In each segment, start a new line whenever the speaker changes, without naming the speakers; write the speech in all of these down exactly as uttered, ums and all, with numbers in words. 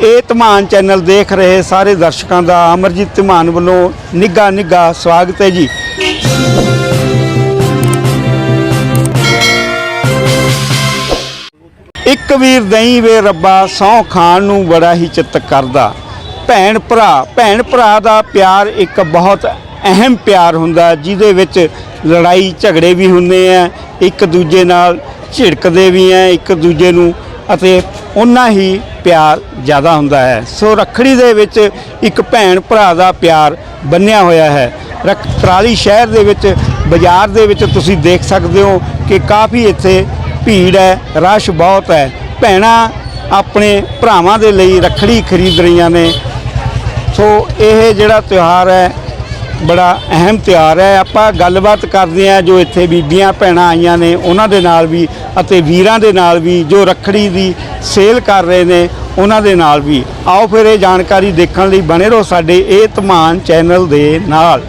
ਇਹ ਧਮਾਨ ਚੈਨਲ देख रहे सारे दर्शकों का अमरजीत धमान वालों निघा निघा स्वागत है जी। एक वीर दई वे रब्बा सौ खान नूं बड़ा ही चित्त करदा। भैन भरा भैन भरा दा प्यार एक बहुत अहम प्यार हुंदा जिहदे विच लड़ाई झगड़े भी हुंदे आ, एक दूजे नाल झिड़कदे भी हैं, एक दूजे नूं अते उन्ना ही प्यार ज़्यादा हुंदा है। सो रखड़ी दे विच एक भैन भरा दा प्यार बन्निया होया है। रख कराली शहर दे विच बाज़ार दे विच तुसीं देख सकदे हो कि काफ़ी इत्थे भीड़ है, रश बहुत है। भैणां अपने भरावां दे लई रखड़ी खरीद रहीआं ने। सो यह जिहड़ा त्यौहार है बड़ा अहम त्यौहार है। आपां गलबात करदे हां जो इत्थे बीबियां भैणां आईआं ने उन्हां दे नाल भी अते वीरां दे नाल भी जो रखड़ी दी सेल कर रहे ने उन्हां दे नाल भी। आओ फिर ये जानकारी देखण लई बने रहो साडे ये धमान चैनल दे नाल।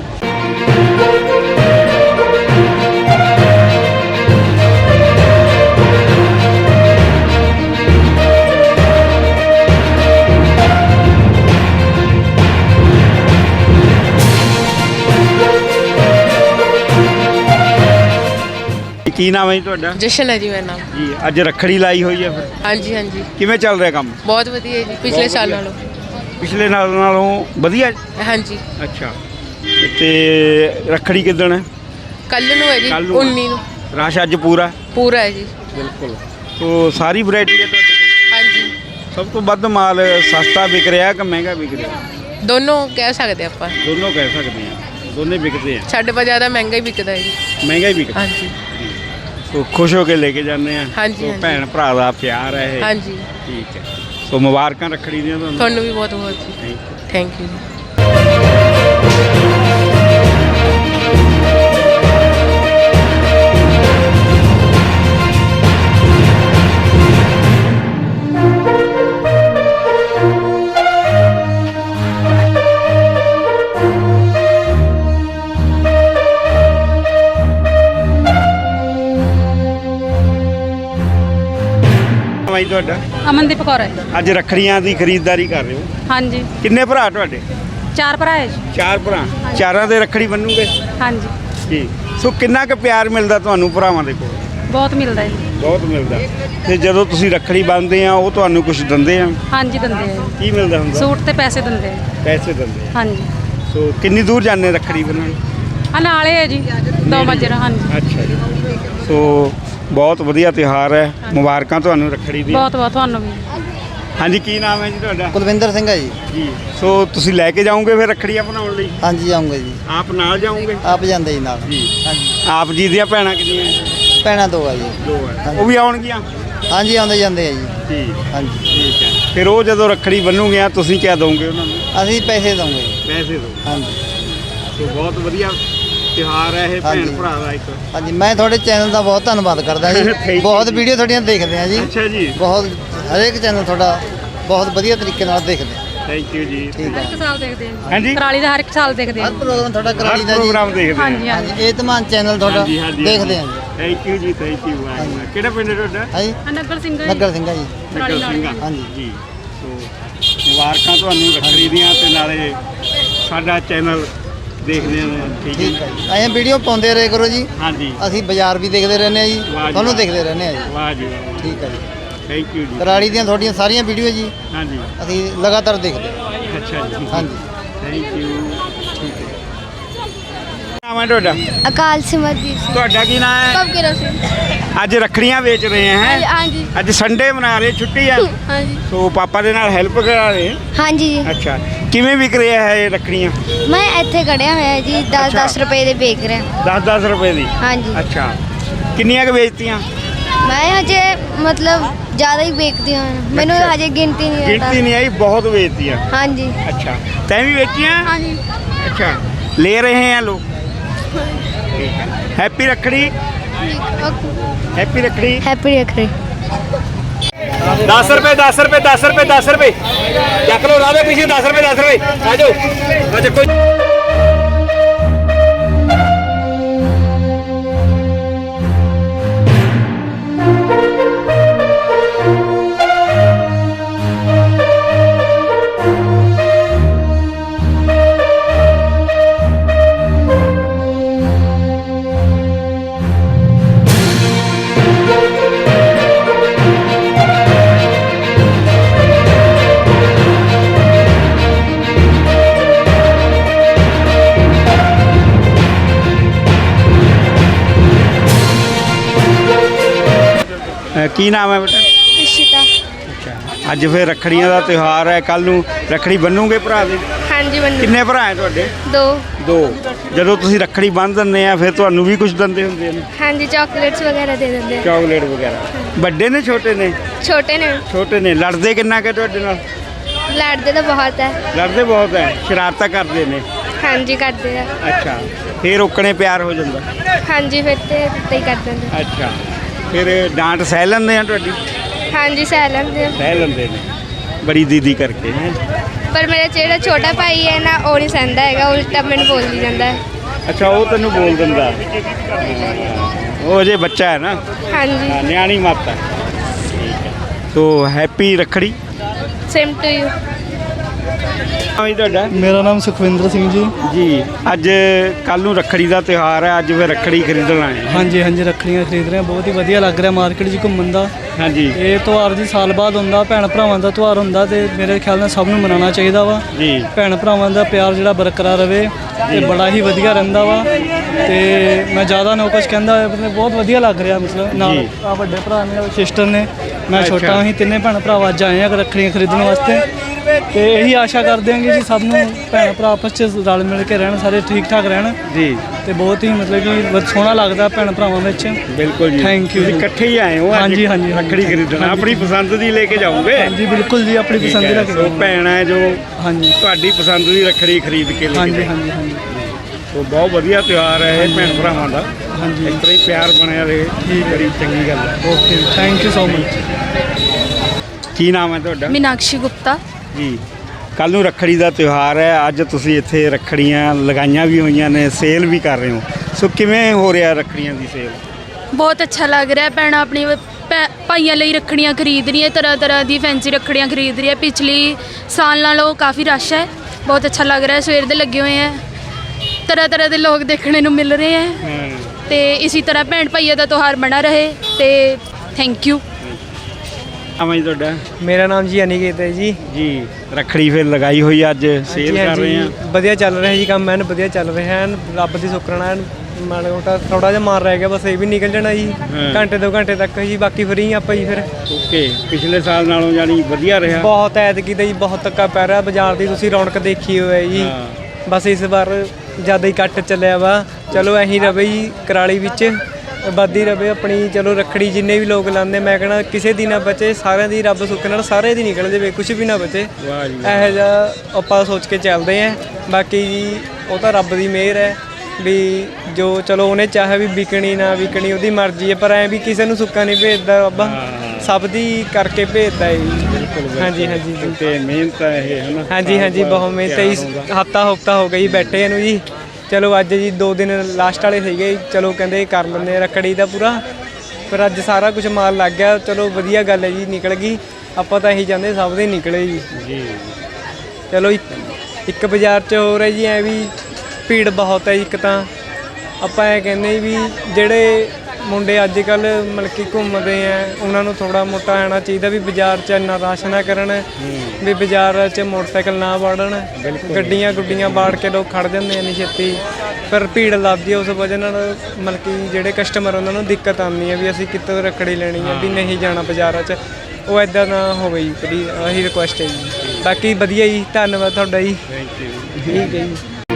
की नाम है जी तुहाडा?
जशन है जी मेरा नाम
जी। अज रखड़ी लाई हुई है फिर?
हाँ जी हाँ जी।
किवें चल रहा काम?
बहुत वधिया जी, पिछले साल नालों।
पिछले नाल नालों वधिया?
हाँ जी।
अच्छा ते रखड़ी किदण है?
कल नूं है जी उन्नी नूं।
रश अज पूरा
पूरा है जी
बिल्कुल। तो सारी वैरायटी है तुहाडे कोल?
हाँ जी।
सब तो वध माल सस्ता विक रहा कि महंगा विक रहा?
दोनों कह सकते हैं आपां।
दोनों कह सकते हैं, दोनों बिकते हैं।
साडे पास ज़्यादा महंगा ही बिकता है जी।
महंगा ही बिकता?
हाँ जी।
तो खुश होकर लेके जाने हैं।
हाँ जी।
तो भैन भरा दा प्यार है।
हाँ जी।
ठीक है। तो मुबारकां रखड़ी दियां तुहानूं।
तुहानूं भी बहुत बहुत जी। थैंक यू जी।
भाई तुहाडा?
अमनदीप कौर है।
अज रखड़ियां दी खरीददारी कर रहे हो?
हाँ जी।
किन्ने भरा तुहाडे?
चार भरा है जी।
चार भरा। चारां दे रखड़ी बन्नूगे?
हाँ जी।
जी। सो किन्ना क प्यार मिलदा तुहानूं भरावां दे कोल?
बहुत मिलता है जी।
बहुत मिलदा। ते जदों तुसीं रखड़ी बन्नदे आ ਉਹ ਤੁਹਾਨੂੰ ਕੁਝ ਦਿੰਦੇ ਆ?
हाँ जी ਦਿੰਦੇ ਆ।
ਕੀ ਮਿਲਦਾ ਹੁੰਦਾ?
ਸੂਟ ਤੇ ਪੈਸੇ ਦਿੰਦੇ ਆ।
ਪੈਸੇ ਦਿੰਦੇ ਆ।
हाँ जी।
ਸੋ ਕਿੰਨੀ ਦੂਰ ਜਾਂਦੇ रखड़ी ਬੰਨਣ?
ਆ ਨਾਲੇ ਹੈ ਜੀ ਦੋ ਮਜਰਾ। हाँ जी।
ਅੱਛਾ ਜੀ। ਸੋ ਬਹੁਤ ਵਧੀਆ ਤਿਉਹਾਰ ਹੈ। ਮੁਬਾਰਕਾਂ ਤੁਹਾਨੂੰ ਰੱਖੜੀ ਦੀ।
ਬਹੁਤ ਬਹੁਤ ਤੁਹਾਨੂੰ ਵੀ।
ਹਾਂਜੀ ਕੀ ਨਾਮ ਹੈ ਜੀ ਤੁਹਾਡਾ?
ਕੁਲਵਿੰਦਰ ਸਿੰਘ ਹੈ ਜੀ।
ਜੀ। ਸੋ ਤੁਸੀਂ ਲੈ ਕੇ ਜਾਓਗੇ ਫਿਰ ਰੱਖੜੀਆਂ ਬਣਾਉਣ ਲਈ?
ਹਾਂਜੀ ਆਉਂਗੇ ਜੀ।
ਆਪ ਨਾਲ ਜਾਓਗੇ?
ਆਪ ਜਾਂਦੇ ਜੀ ਨਾਲ।
ਜੀ।
ਹਾਂਜੀ।
ਆਪ ਜੀ ਦੀਆਂ ਭੈਣਾਂ ਕਿੰਨੀਆਂ?
ਭੈਣਾਂ ਦੋ ਆ ਜੀ।
ਦੋ ਹੈ। ਉਹ ਵੀ ਆਉਣਗੀਆਂ?
ਹਾਂਜੀ ਆਉਂਦੇ ਜਾਂਦੇ ਆ ਜੀ।
ਜੀ।
ਹਾਂਜੀ
ਠੀਕ ਹੈ। ਫਿਰ ਉਹ ਜਦੋਂ ਰੱਖੜੀ ਬੰਨੂਗੇ ਤੁਸੀਂ ਕਿਆ ਦੋਗੇ ਉਹਨਾਂ ਨੂੰ?
ਅਸੀਂ ਪੈਸੇ ਦਵਾਂਗੇ ਜੀ।
ਪੈਸੇ ਦੋ।
ਹਾਂਜੀ।
ਸੋ ਬਹੁਤ ਵਧੀਆ ਤਿਉਹਾਰ ਹੈ ਇਹ ਭੈਣ ਭਰਾ ਦਾ ਇੱਕ।
ਹਾਂਜੀ ਮੈਂ ਤੁਹਾਡੇ ਚੈਨਲ ਦਾ ਬਹੁਤ ਧੰਨਵਾਦ ਕਰਦਾ ਜੀ। ਬਹੁਤ ਵੀਡੀਓ ਤੁਹਾਡੀਆਂ ਦੇਖਦੇ ਆ ਜੀ।
ਅੱਛਾ ਜੀ।
ਬਹੁਤ ਹਰੇਕ ਚੈਨਲ ਤੁਹਾਡਾ ਬਹੁਤ ਵਧੀਆ ਤਰੀਕੇ ਨਾਲ ਦੇਖਦੇ ਆ।
ਥੈਂਕ ਯੂ ਜੀ।
ਠੀਕ ਹੈ।
ਹਰ ਇੱਕ ਸਾਲ ਦੇਖਦੇ ਆ।
ਹਾਂਜੀ।
ਕਰਾਲੀ ਦਾ ਹਰ ਇੱਕ ਸਾਲ ਦੇਖਦੇ ਆ।
ਹਰ ਪ੍ਰੋਗਰਾਮ ਤੁਹਾਡਾ ਕਰਾਲੀ ਦਾ ਜੀ।
ਪ੍ਰੋਗਰਾਮ ਦੇਖਦੇ ਆ।
ਹਾਂਜੀ ਹਾਂਜੀ।
ਹਾਂਜੀ ਇਹ ਧਮਾਨ ਚੈਨਲ ਤੁਹਾਡਾ
ਹਾਂਜੀ, ਹਾਂਜੀ,
ਦੇਖਦੇ ਆ
ਹਾਂਜੀ।
ਜੀ।
ਥੈਂਕ ਯੂ ਜੀ। Thank you. ਕਿਹੜਾ ਪਿੰਡ ਹੈ ਤੁਹਾਡਾ?
ਹਾਂਜੀ
ਨਗਰ ਸਿੰਘ
ਨਗਰ ਸਿੰਘ ਆ ਜੀ।
ਕਰਾਲੀ
ਨਗਰ ਸਿੰਘ।
ਨਾਲ।
ਹਾਂਜੀ।
ਜੀ। ਸੋ ਮੁਬਾਰਕਾਂ ਤੁਹਾਨੂੰ ਰੱਖੜੀ ਦੀਆਂ ਤੇ ਨਾਲੇ ਸਾਡਾ ਚੈਨਲ ਦੇਖਦੇ ਹਾਂ। ਠੀਕ
ਠੀਕ
ਹੈ
ਹੈ ਜੀ। ਐਂ ਵੀਡੀਓ ਪਾਉਂਦੇ ਰਹੇ ਕਰੋ ਜੀ।
ਹਾਂਜੀ।
ਅਸੀਂ ਬਾਜ਼ਾਰ ਵੀ ਦੇਖਦੇ ਰਹਿੰਦੇ ਆ ਜੀ।
ਵਾਹ ਜੀ
ਤੁਹਾਨੂੰ
ਵਾਹ।
ਦੇਖਦੇ ਰਹਿੰਦੇ ਆ ਜੀ।
ਵਾਹ ਜੀ ਵਾਹ।
ਠੀਕ ਹੈ ਜੀ।
ਥੈਂਕ ਯੂ ਜੀ।
ਕਰਾਲੀ ਦੀਆਂ ਤੁਹਾਡੀਆਂ ਸਾਰੀਆਂ ਵੀਡੀਓ ਜੀ
ਹਾਂਜੀ।
ਅਸੀਂ ਲਗਾਤਾਰ ਦੇਖਦੇ ਹਾਂ।
ਅੱਛਾ ਜੀ।
ਹਾਂਜੀ।
Thank you. ਠੀਕ ਹੈ। ਨਾਮ ਹੈ ਤੁਹਾਡਾ?
अकाल सिमरजीत सिंह।
ਤੁਹਾਡਾ ਕੀ ਨਾਮ ਹੈ?
कब गिरा सिंह?
ਅੱਜ ਰੱਖੜੀਆਂ ਵੇਚ ਰਹੇ हैं?
हाँ जी।
ਅੱਜ ਸੰਡੇ ਮਨਾ ਰਹੇ, ਛੁੱਟੀ ਹੈ?
हाँ जी।
ਸੋ ਪਾਪਾ ਦੇ ਨਾਲ ਹੈਲਪ ਕਰਾ ਰਹੇ?
हाँ जी।
ਅੱਛਾ। ਕਿਵੇਂ ਵਿਕ ਰਿਹਾ ਹੈ ਇਹ ਰੱਖੜੀਆਂ?
मैं इत्थे खड़िया होया जी दस
अच्छा।
दस रुपए दे बेच रहा।
दस दस रुपए ਦੀ?
हाँ जी।
ਅੱਛਾ। ਕਿੰਨੀਆਂ ਕੁ ਵੇਚਤੀਆਂ?
मैं हजे मतलब ज़्यादा ही बेचती हूँ। मैंने
अच्छा।
हजे गिनती नहीं
ਗਿਣਤੀ
आता।
ਨਹੀਂ ਆਈ, ਬਹੁਤ ਵੇਚਤੀਆਂ।
हाँ जी।
अच्छा। तैं भी बेचियाँ?
हाँ जी।
अच्छा। ले रहे हैं लोग? ठीक है। Happy Rakhri. Happy Rakhri.
Happy Rakhri.
दस रुपए दस रुपए दस रुपए दस रुपए चक लो रावे पीछे। दस रुपए दस रुपए आ जाओ। अच्छा कोई ਕੀ ਨਾਮ ਹੈ ਬੇਟਾ?
ਇਸ਼ਿਤਾ।
ਅੱਛਾ, ਅੱਜ ਫਿਰ ਰੱਖੜੀਆਂ ਦਾ ਤਿਉਹਾਰ ਹੈ, ਕੱਲ ਨੂੰ ਰੱਖੜੀ ਬੰਨੂਗੇ ਭਰਾ ਦੇ?
ਹਾਂਜੀ ਬੰਨੂ।
ਕਿੰਨੇ ਭਰਾ ਹੈ ਤੁਹਾਡੇ?
ਦੋ।
ਦੋ। ਜਦੋਂ ਤੁਸੀਂ ਰੱਖੜੀ ਬੰਨ੍ਹ ਦਿੰਦੇ ਆ ਫਿਰ ਤੁਹਾਨੂੰ ਵੀ ਕੁਝ ਦਿੰਦੇ ਹੁੰਦੇ ਨੇ?
ਹਾਂਜੀ ਚਾਕਲੇਟਸ ਵਗੈਰਾ ਦੇ ਦਿੰਦੇ ਆ।
ਚਾਕਲੇਟ ਵਗੈਰਾ। ਵੱਡੇ ਨੇ ਛੋਟੇ ਨੇ?
ਛੋਟੇ ਨੇ।
ਛੋਟੇ ਨੇ। ਲੜਦੇ ਕਿੰਨਾ ਕਿ ਤੁਹਾਡੇ ਨਾਲ?
ਲੜਦੇ ਤਾਂ ਬਹੁਤ ਹੈ।
ਲੜਦੇ ਬਹੁਤ ਹੈ, ਸ਼ਰਾਰਤਾਂ ਕਰਦੇ ਨੇ?
ਹਾਂਜੀ ਕਰਦੇ ਆ।
ਅੱਛਾ, ਫਿਰ ਰੋਕਣੇ ਪਿਆਰ ਹੋ ਜਾਂਦਾ?
ਹਾਂਜੀ ਫਿਰ ਤੇ ਇੱਦਾਂ ਹੀ ਕਰ ਦਿੰਦੇ।
ਅੱਛਾ, ਫਿਰ ਡਾਂਟ ਸਹਿ ਲੈਂਦੇ ਆ ਤੁਹਾਡੀ?
ਹਾਂਜੀ ਸਹਿ ਲੈਂਦੇ ਆ।
ਸਹਿ ਲੈਂਦੇ ਨੇ, ਬੜੀ ਦੀਦੀ ਕਰਕੇ ਹੈ।
ਪਰ ਮੇਰਾ ਜਿਹੜਾ ਛੋਟਾ ਭਾਈ ਹੈ ਨਾ ਉਹ ਨਹੀਂ ਸਹਿੰਦਾ ਹੈਗਾ, ਉਲਟਾ ਮੈਨੂੰ ਬੋਲੀ ਜਾਂਦਾ ਹੈ।
ਅੱਛਾ, ਉਹ ਤੈਨੂੰ ਬੋਲ ਦਿੰਦਾ? ਉਹ ਅਜੇ ਬੱਚਾ ਹੈ ਨਾ?
ਹਾਂਜੀ।
ਹਾਂ, ਨਿਆਣੀ ਮੱਤ ਹੈ। ਠੀਕ ਹੈ, so happy Rakhri.
Same to you.
ਹਾਂ ਜੀ, ਤੁਹਾਡਾ?
ਮੇਰਾ ਨਾਮ ਸੁਖਵਿੰਦਰ ਸਿੰਘ ਜੀ।
ਜੀ, ਅੱਜ ਕੱਲ ਨੂੰ ਰੱਖੜੀ ਦਾ ਤਿਉਹਾਰ ਹੈ, ਅੱਜ ਫਿਰ ਰੱਖੜੀ ਖਰੀਦਣ ਆਏ ਹਾਂ।
ਹਾਂਜੀ ਹਾਂਜੀ, ਰੱਖੜੀਆਂ ਖਰੀਦ ਰਹੇ ਹਾਂ, ਬਹੁਤ ਹੀ ਵਧੀਆ ਲੱਗ ਰਿਹਾ ਮਾਰਕੀਟ 'ਚ ਘੁੰਮਣ ਦਾ।
ਹਾਂਜੀ।
ਇਹ ਤਿਉਹਾਰ ਜੀ ਸਾਲ ਬਾਅਦ ਹੁੰਦਾ, ਭੈਣ ਭਰਾਵਾਂ ਦਾ ਤਿਉਹਾਰ ਹੁੰਦਾ ਤੇ ਮੇਰੇ ਖਿਆਲ ਨਾਲ ਸਭ ਨੂੰ ਮਨਾਉਣਾ ਚਾਹੀਦਾ ਵਾ।
ਜੀ।
ਭੈਣ ਭਰਾਵਾਂ ਦਾ ਪਿਆਰ ਜਿਹੜਾ ਬਰਕਰਾਰ ਰਵੇ ਤੇ ਬੜਾ ਹੀ ਵਧੀਆ ਰਹਿੰਦਾ ਵਾ। ਤੇ ਮੈਂ ਜ਼ਿਆਦਾ ਨਾ ਕੁਛ ਕਹਿੰਦਾ ਹੋਇਆ, ਮਤਲਬ ਬਹੁਤ ਵਧੀਆ ਲੱਗ ਰਿਹਾ। ਮਤਲਬ ਨਾਲ ਆ ਵੱਡੇ ਭਰਾ ਨੇ, ਸਿਸਟਰ ਨੇ, ਮੈਂ ਛੋਟਾ, ਅਸੀਂ ਤਿੰਨੇ ਭੈਣ ਭਰਾ ਅੱਜ ਆਏ ਹਾਂ ਰੱਖੜੀਆਂ ਖਰੀਦਣ ਵਾਸਤੇ। ਤੇ ਇਹੀ ਆਸ਼ਾ ਕਰਦੇ ਹਾਂ ਕਿ ਜੀ ਸਭ ਨੂੰ ਭੈਣ ਭਰਾ ਆਪਸ 'ਚ ਰਲ ਮਿਲ ਕੇ ਰਹਿਣ, ਸਾਰੇ ਠੀਕ ਠਾਕ ਰਹਿਣ
ਜੀ।
ਤੇ ਬਹੁਤ ਹੀ ਮਤਲਬ ਕਿ ਬਹੁਤ ਸੋਹਣਾ ਲੱਗਦਾ ਭੈਣ ਭਰਾਵਾਂ ਵਿੱਚ।
ਬਿਲਕੁਲ ਜੀ।
Thank you.
ਤੁਸੀਂ ਇਕੱਠੇ ਹੀ ਆਏ ਹੋ?
ਹਾਂਜੀ ਹਾਂਜੀ,
ਰੱਖੜੀ ਖਰੀਦਣ ਆਪਣੀ ਪਸੰਦ ਦੀ ਲੈ ਕੇ ਜਾਓਗੇ?
ਹਾਂਜੀ ਬਿਲਕੁਲ ਜੀ, ਆਪਣੀ ਪਸੰਦ ਦੀ ਰੱਖ
ਸੋ ਭੈਣ ਹੈ ਜੋ
ਹਾਂਜੀ
ਤੁਹਾਡੀ ਪਸੰਦ ਦੀ ਰੱਖੜੀ ਖਰੀਦ ਕੇ ਲੈ ਕੇ
ਹਾਂਜੀ
ਜਾਏ।
ਹਾਂਜੀ ਹਾਂਜੀ
ਸੋ ਬਹੁਤ ਵਧੀਆ ਤਿਉਹਾਰ ਹੈ ਇਹ ਭੈਣ ਭਰਾਵਾਂ ਦਾ।
ਹਾਂਜੀ।
ਇਸ ਤਰ੍ਹਾਂ ਹੀ ਪਿਆਰ ਬਣਿਆ ਰਹੇ, ਬੜੀ ਚੰਗੀ ਗੱਲ ਹੈ।
Okay, thank you so much.
ਕੀ ਨਾਮ ਹੈ ਤੁਹਾਡਾ?
ਮੀਨਾਕਸ਼ੀ ਗੁਪਤਾ।
ਜੀ, ਕੱਲ ਨੂੰ ਰੱਖੜੀ ਦਾ ਤਿਉਹਾਰ ਹੈ, ਅੱਜ ਤੁਸੀਂ ਇੱਥੇ ਰੱਖੜੀਆਂ ਲਗਾਈਆਂ ਵੀ ਹੋਈਆਂ ਨੇ, ਸੇਲ ਵੀ ਕਰ ਰਹੇ ਹੋ, ਸੋ ਕਿਵੇਂ ਹੋ ਰਿਹਾ ਰੱਖੜੀਆਂ ਦੀ ਸੇਲ?
ਬਹੁਤ ਅੱਛਾ ਲੱਗ ਰਿਹਾ। ਭੈਣਾਂ ਆਪਣੀ ਭੈ- ਭਾਈਆਂ ਲਈ ਰੱਖੜੀਆਂ ਖਰੀਦ ਰਹੀਆਂ, ਤਰ੍ਹਾਂ ਤਰ੍ਹਾਂ ਦੀ ਫੈਂਸੀ ਰੱਖੜੀਆਂ ਖਰੀਦ ਰਹੀ ਹੈ। ਪਿਛਲੀ ਸਾਲ ਨਾਲੋਂ ਕਾਫੀ ਰਸ਼ ਹੈ, ਬਹੁਤ ਅੱਛਾ ਲੱਗ ਰਿਹਾ। ਸਵੇਰ ਦੇ ਲੱਗੇ ਹੋਏ ਹੈ, ਤਰ੍ਹਾਂ ਤਰ੍ਹਾਂ ਦੇ ਲੋਕ ਦੇਖਣੇ ਨੂੰ ਮਿਲ ਰਹੇ ਹੈ ਤੇ ਇਸੇ ਤਰ੍ਹਾਂ ਭੈਣ ਭਾਈਆਂ ਦਾ ਤਿਉਹਾਰ ਬਣਾ ਰਹੇ ਤੇ ਥੈਂਕ ਯੂ।
ਆਵਾਂ ਜੀ ਤੁਹਾਡਾ?
ਮੇਰਾ ਨਾਮ ਜੀ ਅਨਿਕੇਤ ਹੈ ਜੀ।
ਜੀ, ਰੱਖੜੀ ਫਿਰ ਲਗਾਈ ਹੋਈ ਅੱਜ, ਸੇਲ ਕਰ ਰਹੇ ਆ?
ਵਧੀਆ ਚੱਲ ਰਿਹਾ ਜੀ ਕੰਮ, ਐਨ ਵਧੀਆ ਚੱਲ ਰਿਹਾ ਐਨ, ਰੱਬ ਦੀ ਸ਼ੁਕਰਾਨਾ ਐਨ। ਮਾੜਾ ਮੋਟਾ ਥੋੜਾ ਜਿਹਾ ਮਾਰ ਰਹਿ ਗਿਆ ਬਸ, ਇਹ ਵੀ ਨਿਕਲ ਜਾਣਾ ਜੀ ਘੰਟੇ ਦੋ ਘੰਟੇ ਤੱਕ ਜੀ, ਬਾਕੀ ਫਰੀ ਆਪਾਂ ਜੀ ਫਿਰ।
ਓਕੇ, ਪਿਛਲੇ ਸਾਲ ਨਾਲੋਂ ਜਾਨੀ ਵਧੀਆ ਰਿਹਾ?
ਬਹੁਤ ਐਤਕੀ ਦਾ ਜੀ ਬਹੁਤ ਧੱਕਾ ਪੈ ਰਿਹਾ ਬਾਜ਼ਾਰ ਦੀ, ਤੁਸੀਂ ਰੌਣਕ ਦੇਖੀ ਹੋਈ ਜੀ। ਬਸ ਇਸ ਵਾਰ ਜ਼ਿਆਦਾ ਹੀ ਕੱਟ ਚੱਲਿਆ ਵਾ। ਚਲੋ ਐਂ ਰਵੇ ਜੀ, ਕਰਾਲੀ ਵਿੱਚ ਵੱਧਦੀ ਰਵੇ ਆਪਣੀ। ਚਲੋ ਰੱਖੜੀ ਜਿੰਨੇ ਵੀ ਲੋਕ ਲਾਉਂਦੇ, ਮੈਂ ਕਹਿਣਾ ਕਿਸੇ ਦੀ ਨਾ ਬਚੇ, ਸਾਰਿਆਂ ਦੀ ਰੱਬ ਸੁੱਖ ਨਾਲ ਸਾਰੇ ਦੀ ਨਿਕਲ ਜਾਵੇ, ਕੁਝ ਵੀ ਨਾ ਬਚੇ। ਇਹੋ ਜਿਹਾ ਆਪਾਂ ਸੋਚ ਕੇ ਚੱਲਦੇ ਹਾਂ। ਬਾਕੀ ਜੀ ਉਹ ਤਾਂ ਰੱਬ ਦੀ ਮਿਹਰ ਹੈ ਵੀ ਜੋ ਚਲੋ ਉਹਨੇ ਚਾਹਿਆ ਵੀ ਵਿਕਣੀ ਨਾ ਵਿਕਣੀ ਉਹਦੀ ਮਰਜ਼ੀ ਹੈ, ਪਰ ਐਂ ਵੀ ਕਿਸੇ ਨੂੰ ਸੁੱਕਾ ਨਹੀਂ ਭੇਜਦਾ ਰੱਬ, ਸਭ ਦੀ ਕਰਕੇ ਭੇਜਦਾ ਹੈ ਜੀ। ਹਾਂਜੀ ਹਾਂਜੀ ਜੀ,
ਤੇ ਮਿਹਨਤ ਹੈ ਇਹ, ਹੈ ਨਾ?
ਹਾਂਜੀ ਹਾਂਜੀ, ਬਹੁਤ ਮਿਹਨਤ ਹੈ ਜੀ। ਹਫਤਾ ਹਫਤਾ ਹੋ ਗਈ ਬੈਠੇ ਨੂੰ ਜੀ। ਚਲੋ ਅੱਜ ਜੀ ਦੋ ਦਿਨ ਲਾਸਟ ਵਾਲੇ ਸੀਗੇ, ਚਲੋ ਕਹਿੰਦੇ ਕਰ ਲੈਂਦੇ ਰੱਖੜੀ ਦਾ ਪੂਰਾ, ਪਰ ਅੱਜ ਸਾਰਾ ਕੁਝ ਮਾਲ ਲੱਗ ਗਿਆ। ਚਲੋ ਵਧੀਆ ਗੱਲ ਹੈ ਜੀ, ਨਿਕਲ ਗਈ। ਆਪਾਂ ਤਾਂ ਇਹੀ ਚਾਹੁੰਦੇ ਸਭ ਦੇ ਨਿਕਲੇ ਜੀ। ਜੀ ਚਲੋ ਇੱਕ ਇੱਕ ਬਾਜ਼ਾਰ 'ਚ ਹੋ ਰਿਹਾ ਜੀ ਐ ਵੀ ਭੀੜ ਬਹੁਤ ਹੈ। ਇੱਕ ਤਾਂ ਆਪਾਂ ਇਹ ਕਹਿੰਦੇ ਵੀ ਜਿਹੜੇ ਮੁੰਡੇ ਅੱਜ ਕੱਲ੍ਹ ਮਤਲਬ ਕਿ ਘੁੰਮਦੇ ਆ, ਉਹਨਾਂ ਨੂੰ ਥੋੜ੍ਹਾ ਮੋਟਾ ਆਉਣਾ ਚਾਹੀਦਾ ਵੀ ਬਾਜ਼ਾਰ 'ਚ ਇੰਨਾ ਰਸ਼ ਨਾ ਕਰਨ, ਵੀ ਬਾਜ਼ਾਰ 'ਚ ਮੋਟਰਸਾਈਕਲ ਨਾ ਵਾੜਨ, ਗੱਡੀਆਂ ਗੁੱਡੀਆਂ ਵਾੜ ਕੇ ਲੋਕ ਖੜ੍ਹ ਜਾਂਦੇ ਆ ਨਹੀਂ ਛੇਤੀ, ਪਰ ਭੀੜ ਲੱਗਦੀ ਹੈ। ਉਸ ਵਜ੍ਹਾ ਨਾਲ ਮਤਲਬ ਕਿ ਜਿਹੜੇ ਕਸਟਮਰ ਉਹਨਾਂ ਨੂੰ ਦਿੱਕਤ ਆਉਂਦੀ ਹੈ ਵੀ ਅਸੀਂ ਕਿੱਥੋਂ ਰੱਖੜੀ ਲੈਣੀ ਹੈ, ਵੀ ਨਹੀਂ ਜਾਣਾ ਬਾਜ਼ਾਰਾਂ 'ਚ। ਉਹ ਇੱਦਾਂ ਨਾ ਹੋਵੇ ਜੀ, ਬੜੀ ਇਹੀ ਰਿਕੁਐਸਟ ਹੈ ਜੀ। ਬਾਕੀ ਵਧੀਆ ਜੀ, ਧੰਨਵਾਦ ਤੁਹਾਡਾ ਜੀ। ਠੀਕ ਹੈ ਜੀ।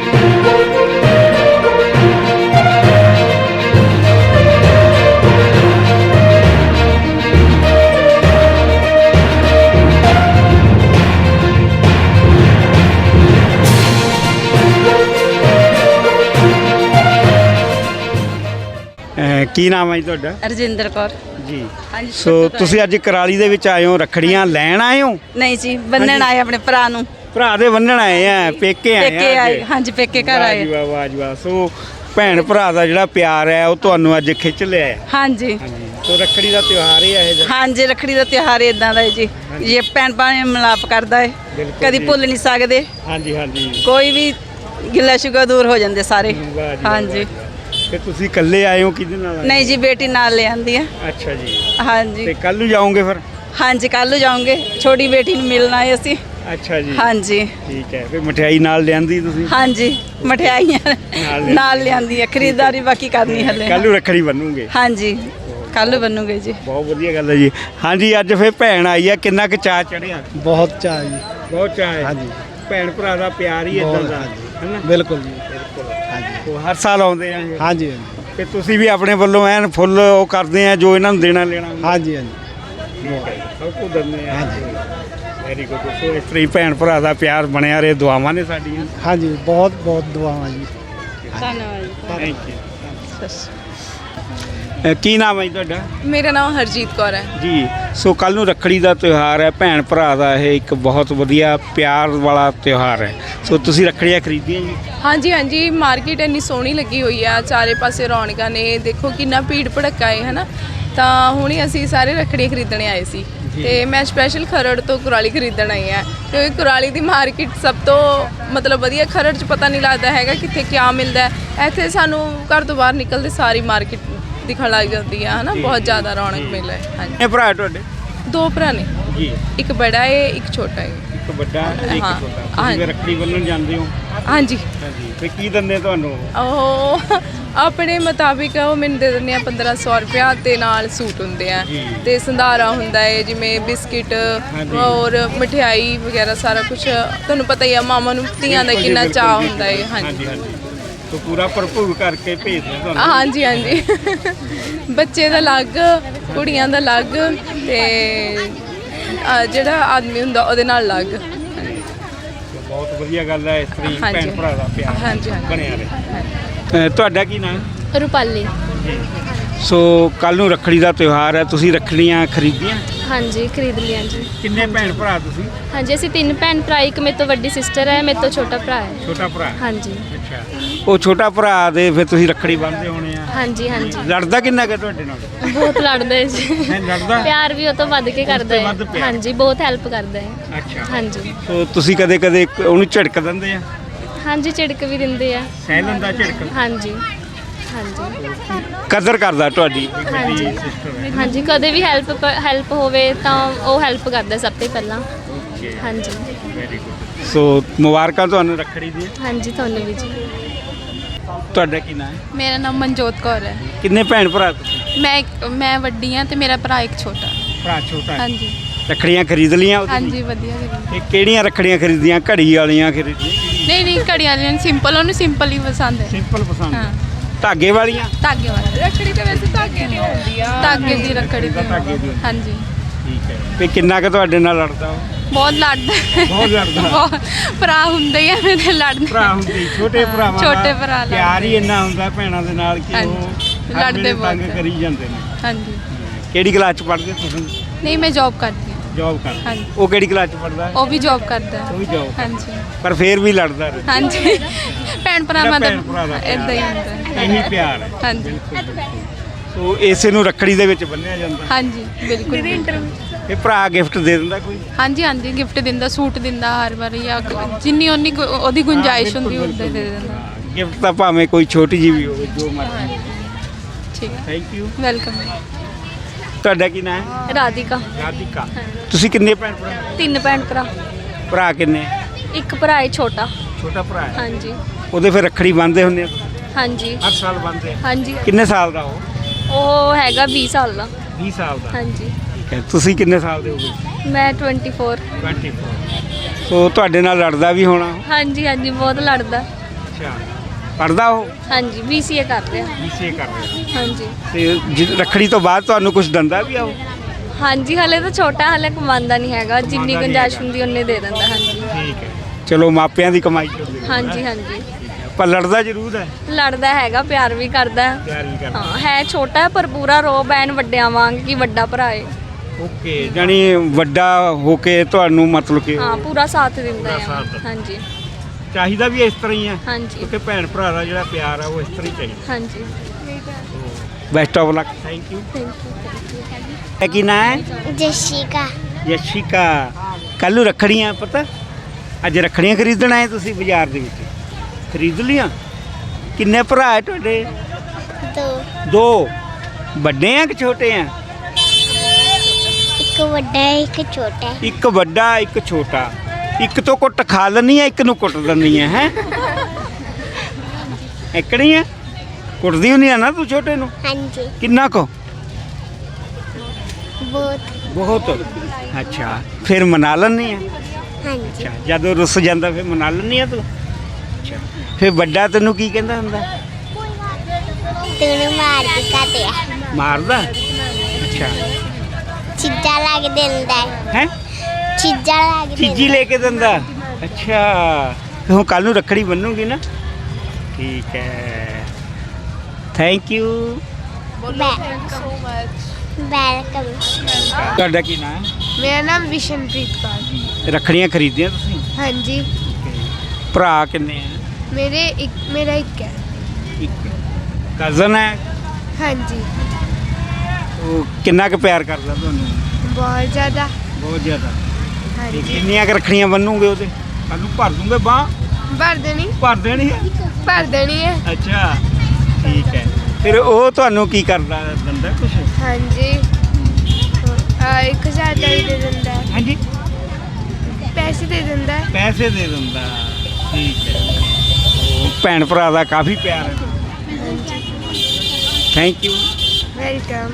ਕੀ ਨਾਮ ਹੈ ਜੀ ਤੁਹਾਡਾ?
ਰਜਿੰਦਰ ਕੌਰ
ਜੀ। ਸੋ ਤੁਸੀਂ ਅੱਜ ਕਰਾਲੀ ਦੇ ਵਿੱਚ ਆਏ ਹੋ, ਰੱਖੜੀਆਂ ਲੈਣ ਆਏ ਹੋ?
ਨਹੀਂ ਜੀ, ਬੰਨਣ ਆਏ ਆਪਣੇ ਭਰਾ ਨੂੰ।
ਭਰਾ ਦੇ ਬੰਨਣ ਆਏ ਆ, ਪੇਕੇ ਆਏ ਆ?
ਪੇਕੇ ਆਏ, ਹਾਂਜੀ ਪੇਕੇ ਘਰ ਆਏ।
ਵਾਹ ਜੀ ਵਾਹ, ਵਾਹ ਜੀ ਵਾਹ। ਸੋ ਭੈਣ ਭਰਾ ਦਾ ਜਿਹੜਾ ਪਿਆਰ ਹੈ ਉਹ ਤੁਹਾਨੂੰ ਅੱਜ ਖਿੱਚ ਲਿਆ ਹੈ।
ਹਾਂਜੀ
ਸੋ ਰੱਖੜੀ ਦਾ ਤਿਉਹਾਰ ਹੀ ਹੈ ਇਹ?
ਹਾਂਜੀ, ਰੱਖੜੀ ਦਾ ਤਿਉਹਾਰ ਇਦਾਂ ਦਾ ਹੈ ਜੀ, ਇਹ ਭੈਣ ਭਾਈ ਮਿਲਾਪ ਕਰਦਾ ਹੈ, ਕਦੀ ਭੁੱਲ ਨਹੀਂ ਸਕਦੇ।
ਹਾਂਜੀ ਹਾਂਜੀ, ਕੋਈ
ਵੀ ਗਿੱਲਾ ਸ਼ਿਕਵਾ ਦੂਰ ਹੋ ਜਾਂਦੇ ਸਾਰੇ। ਹਾਂਜੀ।
ਤੇ ਤੁਸੀਂ ਇਕੱਲੇ ਆਏ ਹੋ, ਕਿਹਦੇ ਨਾਲ ਆਏ?
ਨਹੀਂ ਜੀ, ਬੇਟੀ ਨਾਲ ਲੈ ਆਂਦੀ ਹੈ।
ਅੱਛਾ ਜੀ।
ਹਾਂਜੀ।
ਤੇ ਕੱਲ ਨੂੰ ਜਾਓਗੇ ਫਿਰ?
ਹਾਂਜੀ, ਕੱਲ ਨੂੰ ਜਾਓਗੇ, ਛੋਟੀ ਬੇਟੀ ਨੂੰ ਮਿਲਣਾ ਹੈ ਅਸੀਂ।
ਅੱਛਾ ਜੀ।
ਹਾਂਜੀ
ਠੀਕ ਹੈ। ਫਿਰ ਮਠਿਆਈ ਨਾਲ ਲਿਆਂਦੀ ਤੁਸੀਂ?
ਹਾਂਜੀ, ਮਠਿਆਈਆਂ ਨਾਲ ਲਿਆਂਦੀ ਹੈ, ਖਰੀਦਦਾਰੀ ਬਾਕੀ ਕਰਨੀ ਹਲੇ।
ਕੱਲ ਨੂੰ ਰੱਖੜੀ ਬੰਨੂਗੇ?
ਹਾਂਜੀ। ਕੱਲ ਬਣੂਗੇ ਜੀ।
ਬਹੁਤ ਵਧੀਆ ਗੱਲ ਹੈ ਜੀ। ਹਾਂਜੀ, ਅੱਜ ਫਿਰ ਭੈਣ ਆਈ ਆ, ਕਿੰਨਾ ਕੁ ਚਾਅ ਚੜਿਆ?
ਬਹੁਤ ਚਾਅ ਜੀ।
ਬਹੁਤ ਚਾਅ ਹੈ।
ਹਾਂਜੀ,
ਭੈਣ ਭਰਾ ਦਾ ਪਿਆਰ ਹੀ ਇਦਾਂ ਦਾ ਹੈ ਨਾ।
ਬਿਲਕੁਲ ਜੀ।
ਹਾਂਜੀ, ਉਹ ਹਰ ਸਾਲ ਆਉਂਦੇ ਆ ਇਹ।
ਹਾਂਜੀ
ਤੇ ਤੁਸੀਂ ਵੀ ਆਪਣੇ ਵੱਲੋਂ ਐਨ ਫੁੱਲ ਉਹ ਕਰਦੇ ਆ ਜੋ ਇਹਨਾਂ ਨੂੰ ਦੇਣਾ ਲੈਣਾ ਹੁੰਦਾ।
ਹਾਂਜੀ ਹਾਂਜੀ
ਸਭ ਕੁਝ ਦਿੰਦੇ ਆ। Very good. ਸੋ ਇਸ ਤਰ੍ਹਾਂ ਹੀ ਭੈਣ ਭਰਾ ਦਾ ਪਿਆਰ ਬਣਿਆ ਰਹੇ, ਦੁਆਵਾਂ ਨੇ ਸਾਡੀਆਂ।
ਹਾਂਜੀ, ਬਹੁਤ ਬਹੁਤ ਦੁਆਵਾਂ ਜੀ।
ਧੰਨਵਾਦ।
Thank you. ਕੀ ਨਾਮ ਹੈ ਜੀ ਤੁਹਾਡਾ?
ਮੇਰਾ ਨਾਮ ਹਰਜੀਤ ਕੌਰ ਹੈ
ਜੀ। ਸੋ ਕੱਲ ਨੂੰ ਰੱਖੜੀ ਦਾ ਤਿਉਹਾਰ ਹੈ, ਭੈਣ ਭਰਾ ਦਾ ਇਹ ਇੱਕ ਬਹੁਤ ਵਧੀਆ ਪਿਆਰ ਵਾਲਾ ਤਿਉਹਾਰ ਹੈ। ਸੋ ਤੁਸੀਂ ਰੱਖੜੀਆਂ ਖਰੀਦੀਆਂ ਜੀ?
ਹਾਂਜੀ ਹਾਂਜੀ, ਮਾਰਕੀਟ ਇੰਨੀ ਸੋਹਣੀ ਲੱਗੀ ਹੋਈ ਆ, ਚਾਰੇ ਪਾਸੇ ਰੌਣਕਾਂ ਨੇ, ਦੇਖੋ ਕਿੰਨਾ ਭੀੜ ਭੜੱਕਾ ਹੈ ਹਨਾ। ਤਾਂ ਹੁਣੇ ਅਸੀਂ ਸਾਰੇ ਰੱਖੜੀਆਂ ਖਰੀਦਣੇ ਆਏ ਸੀ ਤੇ ਮੈਂ ਸਪੈਸ਼ਲ ਖਰੜ ਤੋਂ ਕੁਰਾਲੀ ਖਰੀਦਣ ਆਈ ਆ, ਕਿਉਂਕਿ ਕੁਰਾਲੀ ਦੀ ਮਾਰਕੀਟ ਸਭ ਤੋਂ ਮਤਲਬ ਵਧੀਆ। ਖਰੜ 'ਚ ਪਤਾ ਨਹੀਂ ਲੱਗਦਾ ਹੈਗਾ ਕਿੱਥੇ ਕਿਆ ਮਿਲਦਾ, ਇੱਥੇ ਸਾਨੂੰ ਘਰ ਤੋਂ ਬਾਹਰ ਨਿਕਲਦੇ ਸਾਰੀ ਮਾਰਕੀਟ ਦਿਖਣ ਲੱਗ ਜਾਂਦੀ ਆ ਹਨਾ। ਬਹੁਤ ਜ਼ਿਆਦਾ ਰੌਣਕ ਮੇਲਾ ਹੈ। ਹਾਂਜੀ,
ਇਹ ਭਰਾ ਤੁਹਾਡੇ?
ਦੋ ਭਰਾ ਨੇ
ਜੀ।
ਇੱਕ ਬੜਾ ਹੈ, ਇੱਕ ਛੋਟਾ ਹੈ।
ਇੱਕ ਵੱਡਾ ਤੇ ਇੱਕ
ਹਾਂ,
ਛੋਟਾ।
ਹਾਂ।
ਤੁਸੀਂ ਰੱਖੜੀ ਬੰਨ੍ਹਣ ਜਾਂਦੇ ਹੋ?
ਹਾਂਜੀ।
ਹਾਂਜੀ, ਤੇ ਕੀ ਦਿੰਦੇ ਤੁਹਾਨੂੰ?
ਉਹ ਆਪਣੇ ਮੁਤਾਬਿਕ ਉਹ ਮੈਨੂੰ ਦੇ ਦਿੰਦੇ ਆ ਪੰਦਰਾਂ ਸੌ ਰੁਪਇਆ ਤੇ ਨਾਲ ਸੂਟ ਹੁੰਦੇ ਆ ਤੇ ਸੰਧਾਰਾ ਹੁੰਦਾ ਹੈ, ਜਿਵੇਂ ਬਿਸਕਿਟ ਔਰ ਮਠਿਆਈ ਵਗੈਰਾ ਸਾਰਾ ਕੁਝ। ਤੁਹਾਨੂੰ ਪਤਾ ਹੀ ਆ ਮਾਮਾ ਨੂੰ ਧੀਆਂ ਦਾ ਕਿੰਨਾ ਚਾਅ ਹੁੰਦਾ ਹੈ। ਹਾਂਜੀ
ਤੋ ਪੂਰਾ ਭਰਪੂਰ ਕਰਕੇ ਭੇਜਦੇ ਤੁਹਾਨੂੰ?
ਹਾਂਜੀ ਹਾਂਜੀ, ਬੱਚੇ ਦਾ ਅਲੱਗ, ਕੁੜੀਆਂ ਦਾ ਅਲੱਗ ਤੇ ਅ, ਜਿਹੜਾ ਆਦਮੀ ਹੁੰਦਾ ਉਹਦੇ ਨਾਲ ਅਲੱਗ।
ਬਹੁਤ ਵਧੀਆ ਗੱਲ ਹੈ, ਇਸ ਤਰ੍ਹਾਂ ਹੀ
ਹਾਂਜੀ।
ਭੈਣ ਭਰਾ ਦਾ ਪਿਆਰ
ਹਾਂਜੀ, ਹਾਂਜੀ।
ਬਣਿਆ ਰਹੇ। ਅ, ਤੁਹਾਡਾ ਕੀ ਨਾਮ?
ਰੂਪਾਲੀ।
ਸੋ ਕੱਲ ਨੂੰ ਰੱਖੜੀ ਦਾ ਤਿਉਹਾਰ ਹੈ, ਤੁਸੀਂ ਰੱਖੜੀਆਂ ਖਰੀਦੀਆਂ?
ਹਾਂਜੀ, ਖਰੀਦ ਲਿਆ ਜੀ।
ਕਿੰਨੇ ਭੈਣ ਭਰਾ ਤੁਸੀਂ?
ਹਾਂਜੀ, ਅਸੀਂ ਤਿੰਨ ਭੈਣ ਭਰਾ, ਇੱਕ ਮੇਰੇ ਤੋਂ ਵੱਡੀ ਸਿਸਟਰ ਹੈ, ਮੇਰੇ ਤੋਂ ਛੋਟਾ ਭਰਾ ਹੈ।
ਛੋਟਾ ਭਰਾ?
ਹਾਂਜੀ।
ਅੱਛਾ, ਉਹ ਛੋਟਾ ਭਰਾ ਦੇ ਫਿਰ ਤੁਸੀਂ ਰੱਖੜੀ ਬੰਨ੍ਹਦੇ ਹੋਣੇ ਆ?
ਹਾਂਜੀ ਹਾਂਜੀ,
ਲੜਦਾ ਕਿੰਨਾ ਕੁ ਤੁਹਾਡੇ ਨਾਲ?
ਬਹੁਤ ਲੜਦਾ ਹੈ ਜੀ।
ਹੈ ਲੜਦਾ?
ਪਿਆਰ ਵੀ ਉਹ ਤੋਂ ਵੱਧ ਕੇ ਕਰਦਾ
ਵੱਧ
ਹੈ।
ਪਿਆਰ।
ਹਾਂਜੀ, ਬਹੁਤ ਹੈਲਪ ਕਰਦਾ ਹੈ।
ਅੱਛਾ।
ਹਾਂਜੀ
ਸੋ ਤੁਸੀਂ ਕਦੇ ਕਦੇ ਉਹਨੂੰ ਝਿੜਕ ਦਿੰਦੇ ਆ?
ਹਾਂਜੀ, ਝਿੜਕ ਵੀ ਦਿੰਦੇ ਆ।
ਸਹਿ ਲੈਂਦਾ ਝਿੜਕ?
ਹਾਂਜੀ ਹਾਂਜੀ
ਕਦਰ ਕਰਦਾ ਤੁਹਾਡੀ
ਹਾਂਜੀ
ਸਿਸਟਰ ਹੈ?
ਹਾਂਜੀ, ਕਦੇ ਵੀ ਹੈਲਪ ਹੈਲਪ ਹੋਵੇ ਤਾਂ ਉਹ ਹੈਲਪ ਕਰਦਾ ਸਭ ਤੋਂ ਪਹਿਲਾਂ। ਹਾਂਜੀ
ਵੈਰੀ ਗੁੱਡ। ਸੋ ਮੁਬਾਰਕਾਂ ਤੁਹਾਨੂੰ ਰੱਖੜੀ ਦੀਆਂ।
ਹਾਂਜੀ, ਤੁਹਾਨੂੰ ਵੀ ਜੀ।
ਤੁਹਾਡਾ ਕੀ ਨਾਮ ਹੈ?
ਮੇਰਾ ਨਾਮ ਮਨਜੋਤ ਕੌਰ ਹੈ।
ਕਿੰਨੇ ਭੈਣ ਭਰਾ ਤੁਸੀਂ?
ਮੈਂ ਇੱਕ ਮੈਂ ਵੱਡੀ ਹਾਂ ਤੇ ਮੇਰਾ ਭਰਾ ਇੱਕ ਛੋਟਾ।
ਭਰਾ ਛੋਟਾ ਹੈ?
ਹਾਂਜੀ
ਰੱਖੜੀਆਂ ਖਰੀਦ ਲੀਆਂ ਉਹਦੇ ਲਈ?
ਹਾਂਜੀ, ਵਧੀਆ ਕਰੀ।
ਇਹ ਕਿਹੜੀਆਂ ਰੱਖੜੀਆਂ ਖਰੀਦੀਆਂ? ਘੜੀ ਵਾਲੀਆਂ ਖਰੀਦੀਆਂ?
ਨਹੀਂ ਨਹੀਂ, ਘੜੀਆਂ ਵਾਲੀਆਂ ਸਿੰਪਲ, ਉਹਨੂੰ ਸਿੰਪਲ ਹੀ ਪਸੰਦ ਹੈ।
ਸਿੰਪਲ ਪਸੰਦ?
ਹਾਂ।
ਧਾਗੇ ਵਾਲੀਆਂ?
ਧਾਗੇ ਵਾਲੀ
ਰੱਖੜੀ ਤੇ ਵੈਸੇ ਧਾਗੇ ਦੀ ਹੁੰਦੀ ਆ।
ਧਾਗੇ ਦੀ ਰੱਖੜੀ ਤੇ
ਧਾਗੇ ਦੀ।
ਹਾਂਜੀ।
ਠੀਕ ਹੈ। ਤੇ ਕਿੰਨਾ ਕੁ ਤੁਹਾਡੇ ਨਾਲ ਲੜਦਾ ਉਹ?
ਬਹੁਤ ਲੜਦਾ ਹੈ।
ਬਹੁਤ ਲੜਦਾ?
ਬਹੁਤ ਭਰਾ ਹੁੰਦੇ ਹੀ ਆ ਮੇਰੇ ਲੜਨ।
ਭਰਾ ਹੁੰਦੇ ਛੋਟੇ ਭਰਾਵਾਂ ਦਾ
ਛੋਟੇ ਭਰਾ ਲੜਦੇ।
ਪਿਆਰ ਹੀ ਇੰਨਾ ਹੁੰਦਾ ਭੈਣਾਂ ਦੇ ਨਾਲ ਕਿ
ਹਾਂਜੀ,
ਉਹ
ਲੜਦੇ
ਲੜਦੇ
ਬਹੁਤ
ਤੰਗ ਕਰੀ ਜਾਂਦੇ ਨੇ।
ਹਾਂਜੀ।
ਕਿਹੜੀ ਕਲਾਸ ਚ ਪੜ੍ਹਦੇ ਤੁਸੀਂ?
ਨਹੀਂ, ਮੈਂ ਜੌਬ ਕਰਦੀ ਹਾਂ।
ਜੌਬ ਕਰਦੇ?
ਹਾਂਜੀ।
ਉਹ ਕਿਹੜੀ ਕਲਾਸ ਚ ਪੜ੍ਹਦਾ ਹੈ?
ਉਹ ਵੀ ਜੌਬ ਕਰਦਾ
ਉਹ
ਹੈ।
ਵੀ ਜੌਬ?
ਹਾਂਜੀ
ਪਰ ਫੇਰ ਵੀ ਲੜਦਾ ਰਹਿੰਦਾ?
ਹਾਂਜੀ, ਭੈਣ ਭਰਾਵਾਂ ਦਾ
ਭੈਣ ਭਰਾ ਦਾ
ਇਦਾਂ ਹੀ ਹੁੰਦਾ ਹੈ।
ਇਹੀ ਪਿਆਰ ਹੈ।
ਹਾਂਜੀ
ਸੋ ਇਸੇ ਨੂੰ ਰੱਖੜੀ ਦੇ ਵਿੱਚ ਬੰਨਿਆ ਜਾਂਦਾ?
ਹਾਂਜੀ, ਬਿਲਕੁਲ।
ਇਹ ਭਰਾ ਗਿਫਟ ਦੇ ਦਿੰਦਾ ਕੋਈ?
ਹਾਂਜੀ ਹਾਂਜੀ, ਗਿਫਟ ਦਿੰਦਾ, ਸੂਟ ਦਿੰਦਾ ਹਰ ਵਾਰੀ, ਜਾਂ ਜਿੰਨੀ ਉਨੀ ਗੁ- ਉਹਦੀ ਗੁੰਜਾਇਸ਼ ਹੁੰਦੀ ਉਦਾਂ ਦੇ ਦਿੰਦਾ।
ਗਿਫਟ ਤਾਂ ਭਾਵੇਂ ਕੋਈ ਛੋਟੀ ਜਿਹੀ ਵੀ ਹੋਵੇ, ਜੋ ਮਰਜ਼ੀ।
ਠੀਕ ਹੈ,
ਥੈਂਕ ਯੂ।
ਵੈਲਕਮ।
ਤੁਹਾਡਾ ਕੀ ਨਾਮ ਹੈ?
ਰਾਧਿਕਾ।
ਰਾਧਿਕਾ। ਤੁਸੀਂ ਕਿੰਨੇ ਭੈਣ ਭਰਾ?
ਤਿੰਨ ਭੈਣ ਭਰਾ।
ਭਰਾ ਕਿੰਨੇ?
ਇੱਕ ਭਰਾ ਹੈ ਛੋਟਾ।
ਛੋਟਾ ਭਰਾ ਹੈ?
ਹਾਂਜੀ
ਉਹਦੇ ਫਿਰ ਰੱਖੜੀ ਬੰਨ੍ਹਦੇ ਹੁੰਦੇ ਆ?
ਹਾਂਜੀ
ਹਰ ਸਾਲ ਬੰਨ੍ਹਦੇ ਆ?
ਹਾਂਜੀ,
ਕਿੰਨੇ ਸਾਲ ਦਾ ਉਹ?
ਉਹ ਹੈਗਾ ਵੀਹ ਸਾਲ ਦਾ।
ਵੀਹ ਸਾਲ ਦਾ?
ਹਾਂਜੀ।
ਠੀਕ ਹੈ। ਤੁਸੀਂ ਕਿੰਨੇ ਸਾਲ ਦੇ ਹੋਗੇ?
ਮੈਂ ਚੌਵੀ।
ਚੌਵੀ। ਸੋ ਤੁਹਾਡੇ ਨਾਲ ਲੜਦਾ ਵੀ ਹੋਣਾ?
ਹਾਂਜੀ ਹਾਂਜੀ, ਬਹੁਤ ਲੜਦਾ।
ਅੱਛਾ। ਪੜ੍ਹਦਾ ਉਹ?
ਹਾਂਜੀ, ਬੀ ਸੀ ਏ ਕਰ ਰਿਹਾ।
ਬੀਸੀਏ ਕਰ ਰਿਹਾ?
ਹਾਂਜੀ
ਤੇ ਜਿ- ਰੱਖੜੀ ਤੋਂ ਬਾਅਦ ਤੁਹਾਨੂੰ ਕੁਝ ਦਿੰਦਾ ਵੀ ਆ ਉਹ?
ਹਾਂਜੀ, ਹਲੇ ਤਾਂ ਛੋਟਾ, ਹਲੇ ਕਮਾਉਂਦਾ ਨਹੀਂ ਹੈਗਾ, ਜਿੰਨੀ
ਕਮਾਉਂਦਾ ਨਹੀਂ
ਗੁੰਜਾਇਸ਼
ਹੈਗਾ।
ਹੁੰਦੀ ਉਹਨੇ ਦੇ ਦਿੰਦਾ। ਹਾਂਜੀ
ਠੀਕ ਹੈ। ਚਲੋ ਮਾਪਿਆਂ ਦੀ ਕਮਾਈ ਚੋਂ।
ਹਾਂਜੀ ਹਾਂਜੀ,
ਪਰ ਲੜਦਾ ਜ਼ਰੂਰ ਹੈ?
ਲੜਦਾ ਹੈਗਾ, ਪਿਆਰ ਵੀ ਕਰਦਾ ਹੈ।
ਪਿਆਰ ਵੀ ਕਰਦਾ?
ਹਾਂ, ਹੈ ਛੋਟਾ ਹੈ ਪਰ ਪੂਰਾ ਰੋਬ ਐਨ ਵੱਡਿਆਂ ਵਾਂਗ ਕਿ ਵੱਡਾ ਭਰਾ ਹੈ।
ਓਕੇ, ਜਾਨੀ ਵੱਡਾ ਹੋ ਕੇ ਤੁਹਾਨੂੰ ਮਤਲਬ ਕਿ
ਹਾਂ, ਪੂਰਾ ਸਾਥ ਦਿੰਦਾ
ਪੂਰਾ
ਹੈ।
ਸਾਥ ਦਿੰਦਾ।
ਹਾਂਜੀ
ਚਾਹੀਦਾ ਵੀ ਇਸ ਤਰ੍ਹਾਂ ਹੀ ਹੈ?
ਹਾਂਜੀ
ਕਿਉਂਕਿ ਭੈਣ ਭਰਾ ਦਾ ਜਿਹੜਾ ਪਿਆਰ ਆ ਉਹ ਇਸ ਤਰ੍ਹਾਂ ਹੀ ਚਾਹੀਦਾ।
ਹਾਂਜੀ,
best of luck. Thank you.
Thank you.
ਕੀ ਨਾਂ ਹੈ?
ਜਸ਼ਿਕਾ।
ਯਸ਼ਿਕਾ। ਕੱਲ ਨੂੰ ਰੱਖੜੀਆਂ ਪਤਾ? ਅੱਜ ਰੱਖੜੀਆਂ ਖਰੀਦਣ ਆਏ ਤੁਸੀਂ ਬਾਜ਼ਾਰ ਦੇ ਵਿੱਚ? ਖਰੀਦ ਲੀਆਂ? ਕਿੰਨੇ ਭਰਾ ਹੈ ਤੁਹਾਡੇ?
ਦੋ।
ਦੋ। ਵੱਡੇ ਆ ਕਿ ਛੋਟੇ ਆ?
ਇੱਕ ਵੱਡਾ ਹੈ, ਇੱਕ ਛੋਟਾ ਹੈ।
ਇੱਕ ਵੱਡਾ ਇੱਕ ਛੋਟਾ। ਇੱਕ ਤੋਂ ਕੁੱਟ ਖਾ ਲੈਣੀ ਆ, ਇੱਕ ਨੂੰ ਕੁੱਟ ਦਿੰਦੀ ਆ ਹੈ? ਇਕੜੀ ਆ? ਕੁੱਟਦੀ ਹੁੰਦੀ ਆ ਨਾ ਤੂੰ ਛੋਟੇ ਨੂੰ?
ਹਾਂਜੀ।
ਕਿੰਨਾ ਕੁ?
ਬਹੁਤ
ਬਹੁਤ ਅੱਛਾ ਫਿਰ ਮਨਾ ਲੈਂਦੀ ਆ
ਹਾਂਜੀ
ਅੱਛਾ ਜਦੋਂ ਰੁੱਸ ਜਾਂਦਾ ਫਿਰ ਮਨਾ ਲੈਂਦੀ ਆ ਤੂੰ ਅੱਛਾ ਫਿਰ ਵੱਡਾ ਤੈਨੂੰ ਕੀ ਕਹਿੰਦਾ ਹੁੰਦਾ
ਤੈਨੂੰ ਮਾਰ ਕੇ ਕਾਟਿਆ
ਮਾਰਦਾ ਅੱਛਾ
ਚੀਜ਼ਾਂ ਲਾ ਕੇ ਦਿੰਦਾ
ਹੈ
ਚੀਜ਼ਾਂ ਲਾ ਕੇ
ਚੀਜ਼ੀ ਲੈ ਕੇ ਦਿੰਦਾ ਅੱਛਾ ਹੁਣ ਕੱਲ ਨੂੰ ਰੱਖੜੀ ਬੰਨੂਗੀ ਨਾ ਠੀਕ ਹੈ thank you
so much welcome
ਤੁਹਾਡਾ ਕੀ ਨਾਮ ਹੈ
ਮੇਰਾ ਨਾਮ ਵਿਸ਼ਨਪ੍ਰੀਤ ਕੌਰ
ਰੱਖੜੀਆਂ ਖਰੀਦੀਆਂ ਤੁਸੀਂ
ਹਾਂਜੀ
ਭਰਾ ਕਿੰਨੇ ਆ
ਮੇਰੇ ਇੱਕ ਮੇਰਾ ਇੱਕ ਹੈ
ਇੱਕ ਕਜ਼ਨ ਹੈ
ਹਾਂਜੀ
ਉਹ ਕਿੰਨਾ ਕੁ ਪਿਆਰ ਕਰਦਾ ਤੁਹਾਨੂੰ
ਬਹੁਤ ਜ਼ਿਆਦਾ
ਬਹੁਤ ਜ਼ਿਆਦਾ ਤੇ
ਹਾਂਜੀ
ਕਿੰਨੀਆਂ ਕੁ ਰੱਖੜੀਆਂ ਬੰਨੂਗੇ ਉਹਦੇ ਕੱਲ ਨੂੰ ਭਰ ਦੂੰਗੇ ਬਾਹ
ਭਰ ਦੇਣੀ
ਭਰ ਦੇਣੀ ਹੈ
ਭਰ ਦੇਣੀ ਹੈ
ਅੱਛਾ ਠੀਕ ਹੈ ਫਿਰ ਉਹ ਤੁਹਾਨੂੰ ਕੀ ਕਰਦਾ ਦਿੰਦਾ ਕੁਛ
ਹਾਂਜੀ ਆ ਇੱਕ ਹਜ਼ਾਰ ਦਾ ਵੀ ਦੇ ਦਿੰਦਾ ਹੈ
ਹਾਂਜੀ
ਪੈਸੇ ਦੇ ਦਿੰਦਾ ਹੈ
ਪੈਸੇ ਦੇ ਦਿੰਦਾ ਠੀਕ ਹੈ ਉਹ ਭੈਣ ਭਰਾ ਦਾ ਕਾਫੀ ਪਿਆਰ ਹੈ ਥੈਂਕ ਯੂ
ਵੈਲਕਮ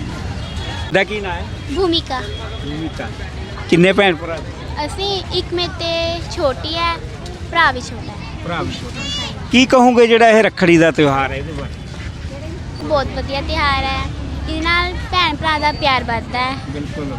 ਦਾ ਕੀ ਨਾਂ ਹੈ
ਭੂਮਿਕਾ
ਭੂਮਿਕਾ ਕਿੰਨੇ ਭੈਣ ਭਰਾ
ਅਸੀਂ ਇੱਕ ਮੇ ਤੇ ਛੋਟੀ ਹੈ ਭਰਾ ਵੀ ਛੋਟਾ ਹੈ
ਭਰਾ ਵੀ ਛੋਟਾ ਕੀ ਕਹੋਗੇ ਜਿਹੜਾ ਇਹ ਰੱਖੜੀ ਦਾ ਤਿਉਹਾਰ ਹੈ ਇਹਦੇ ਬਾਰੇ
ਬਹੁਤ ਵਧੀਆ ਤਿਉਹਾਰ ਹੈ ਇਹਦੇ ਨਾਲ ਭੈਣ ਭਰਾ ਦਾ ਪਿਆਰ ਵੱਧਦਾ ਹੈ
ਬਿਲਕੁਲ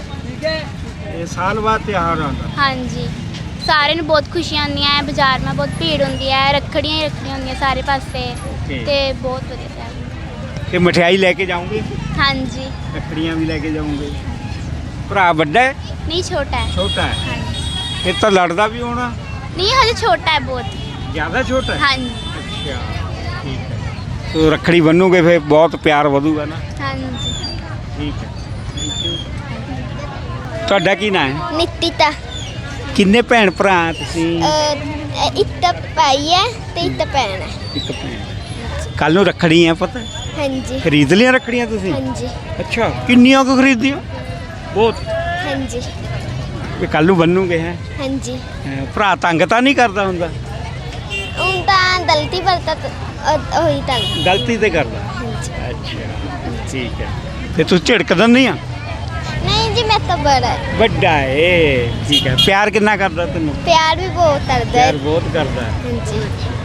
ਇਹ ਸਾਲ ਬਾਅਦ ਤਿਉਹਾਰ ਆਉਂਦਾ
ਹਾਂਜੀ ਸਾਰਿਆਂ ਨੂੰ ਬਹੁਤ ਖੁਸ਼ੀਆਂ ਆਉਂਦੀਆਂ ਹੈ ਬਾਜ਼ਾਰ में ਬਹੁਤ ਭੀੜ ਹੁੰਦੀ ਹੈ ਰੱਖੜੀਆਂ ਹੀ ਰੱਖੜੀਆਂ ਹੁੰਦੀਆਂ ਸਾਰੇ ਪਾਸੇ
Okay.
ਤੇ ਬਹੁਤ ਵਧੀਆ ਤਿਉਹਾਰ
ਇਹ ਮਠਿਆਈ ਲੈ ਕੇ ਜਾਓਗੇ
ਹਾਂਜੀ
ਰੱਖੜੀਆਂ ਵੀ ਲੈ ਕੇ ਜਾਓਗੇ ਭਰਾ ਵੱਡਾ ਹੈ
ਨਹੀਂ ਛੋਟਾ ਹੈ
ਛੋਟਾ ਹੈ
ਹਾਂਜੀ
ਇਹ ਤਾਂ ਲੜਦਾ ਵੀ ਹੋਣਾ
ਨਹੀਂ ਹਜੇ ਛੋਟਾ ਹੈ ਬਹੁਤ
ਜ਼ਿਆਦਾ ਛੋਟਾ ਹੈ
ਹਾਂਜੀ
ਅੱਛਾ ਠੀਕ ਹੈ ਸੋ ਰੱਖੜੀ ਬੰਨੂਗੇ ਫਿਰ ਬਹੁਤ ਪਿਆਰ ਵਧੂਗਾ ਨਾ
ਹਾਂਜੀ
ਠੀਕ ਹੈ ਥੈਂਕ ਯੂ ਤੁਹਾਡਾ ਕੀ ਨਾਮ ਹੈ
ਨਿਤਿਤਾ
ਕਿੰਨੇ ਭੈਣ ਭਰਾ ਤੁਸੀਂ
ਇੱਕ ਤਾਂ ਭਾਈ ਹੈ ਤੇ ਇੱਕ ਤਾਂ ਭੈਣ ਹੈ
ਇੱਕ ਭੈਣ ਕੱਲ ਨੂੰ ਰੱਖੜੀ ਹੈ ਪਤਾ
ਹਾਂਜੀ
ਖਰੀਦ ਲਿਆ ਰੱਖੜੀਆਂ ਤੁਸੀਂ
ਹਾਂਜੀ
ਅੱਛਾ ਕਿੰਨੀਆਂ ਕੁ ਖਰੀਦੀਆਂ ਬਹੁਤ
ਹਾਂਜੀ
ਵੀ ਕੱਲ ਨੂੰ ਬੰਨੂਗੇ ਹੈ
ਹਾਂਜੀ
ਭਰਾ ਤੰਗ ਤਾਂ ਨਹੀਂ ਕਰਦਾ ਹੁੰਦਾ
ਹੁਣ ਤਾਂ ਗਲਤੀ ਵਰਤਾ ਹੋਈ ਤਾਂ
ਗਲਤੀ ਤੇ ਕਰਦਾ
ਹਾਂਜੀ
ਅੱਛਾ ਠੀਕ ਹੈ ਤੇ ਤੂੰ ਝਿੜਕਦਾ ਨਹੀਂ ਆ
ਨਹੀਂ ਜੀ ਮੈਂ ਤਾਂ ਬੜਾ ਹੈ।
ਵੱਡਾ ਏ ਠੀਕ ਹੈ ਪਿਆਰ ਕਿੰਨਾ ਕਰਦਾ ਤੈਨੂੰ
ਪਿਆਰ ਵੀ ਬਹੁਤ ਕਰਦਾ ਹੈ
ਪਿਆਰ ਬਹੁਤ ਕਰਦਾ ਹੈ।
ਹਾਂਜੀ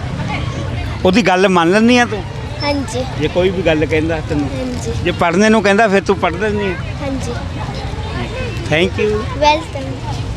ਉਹਦੀ ਗੱਲ ਮੰਨ ਲੈਂਦੀ ਆ ਤੂੰ
ਹਾਂਜੀ
ਜੇ ਕੋਈ ਵੀ ਗੱਲ ਕਹਿੰਦਾ ਤੈਨੂੰ
ਹਾਂਜੀ
ਜੇ ਪੜ੍ਹਨੇ ਨੂੰ ਕਹਿੰਦਾ ਫਿਰ ਤੂੰ ਪੜ੍ਹ ਲੈਂਦੀ ਆ
ਹਾਂਜੀ
ਥੈਂਕ ਯੂ
ਵੈਲਕਮ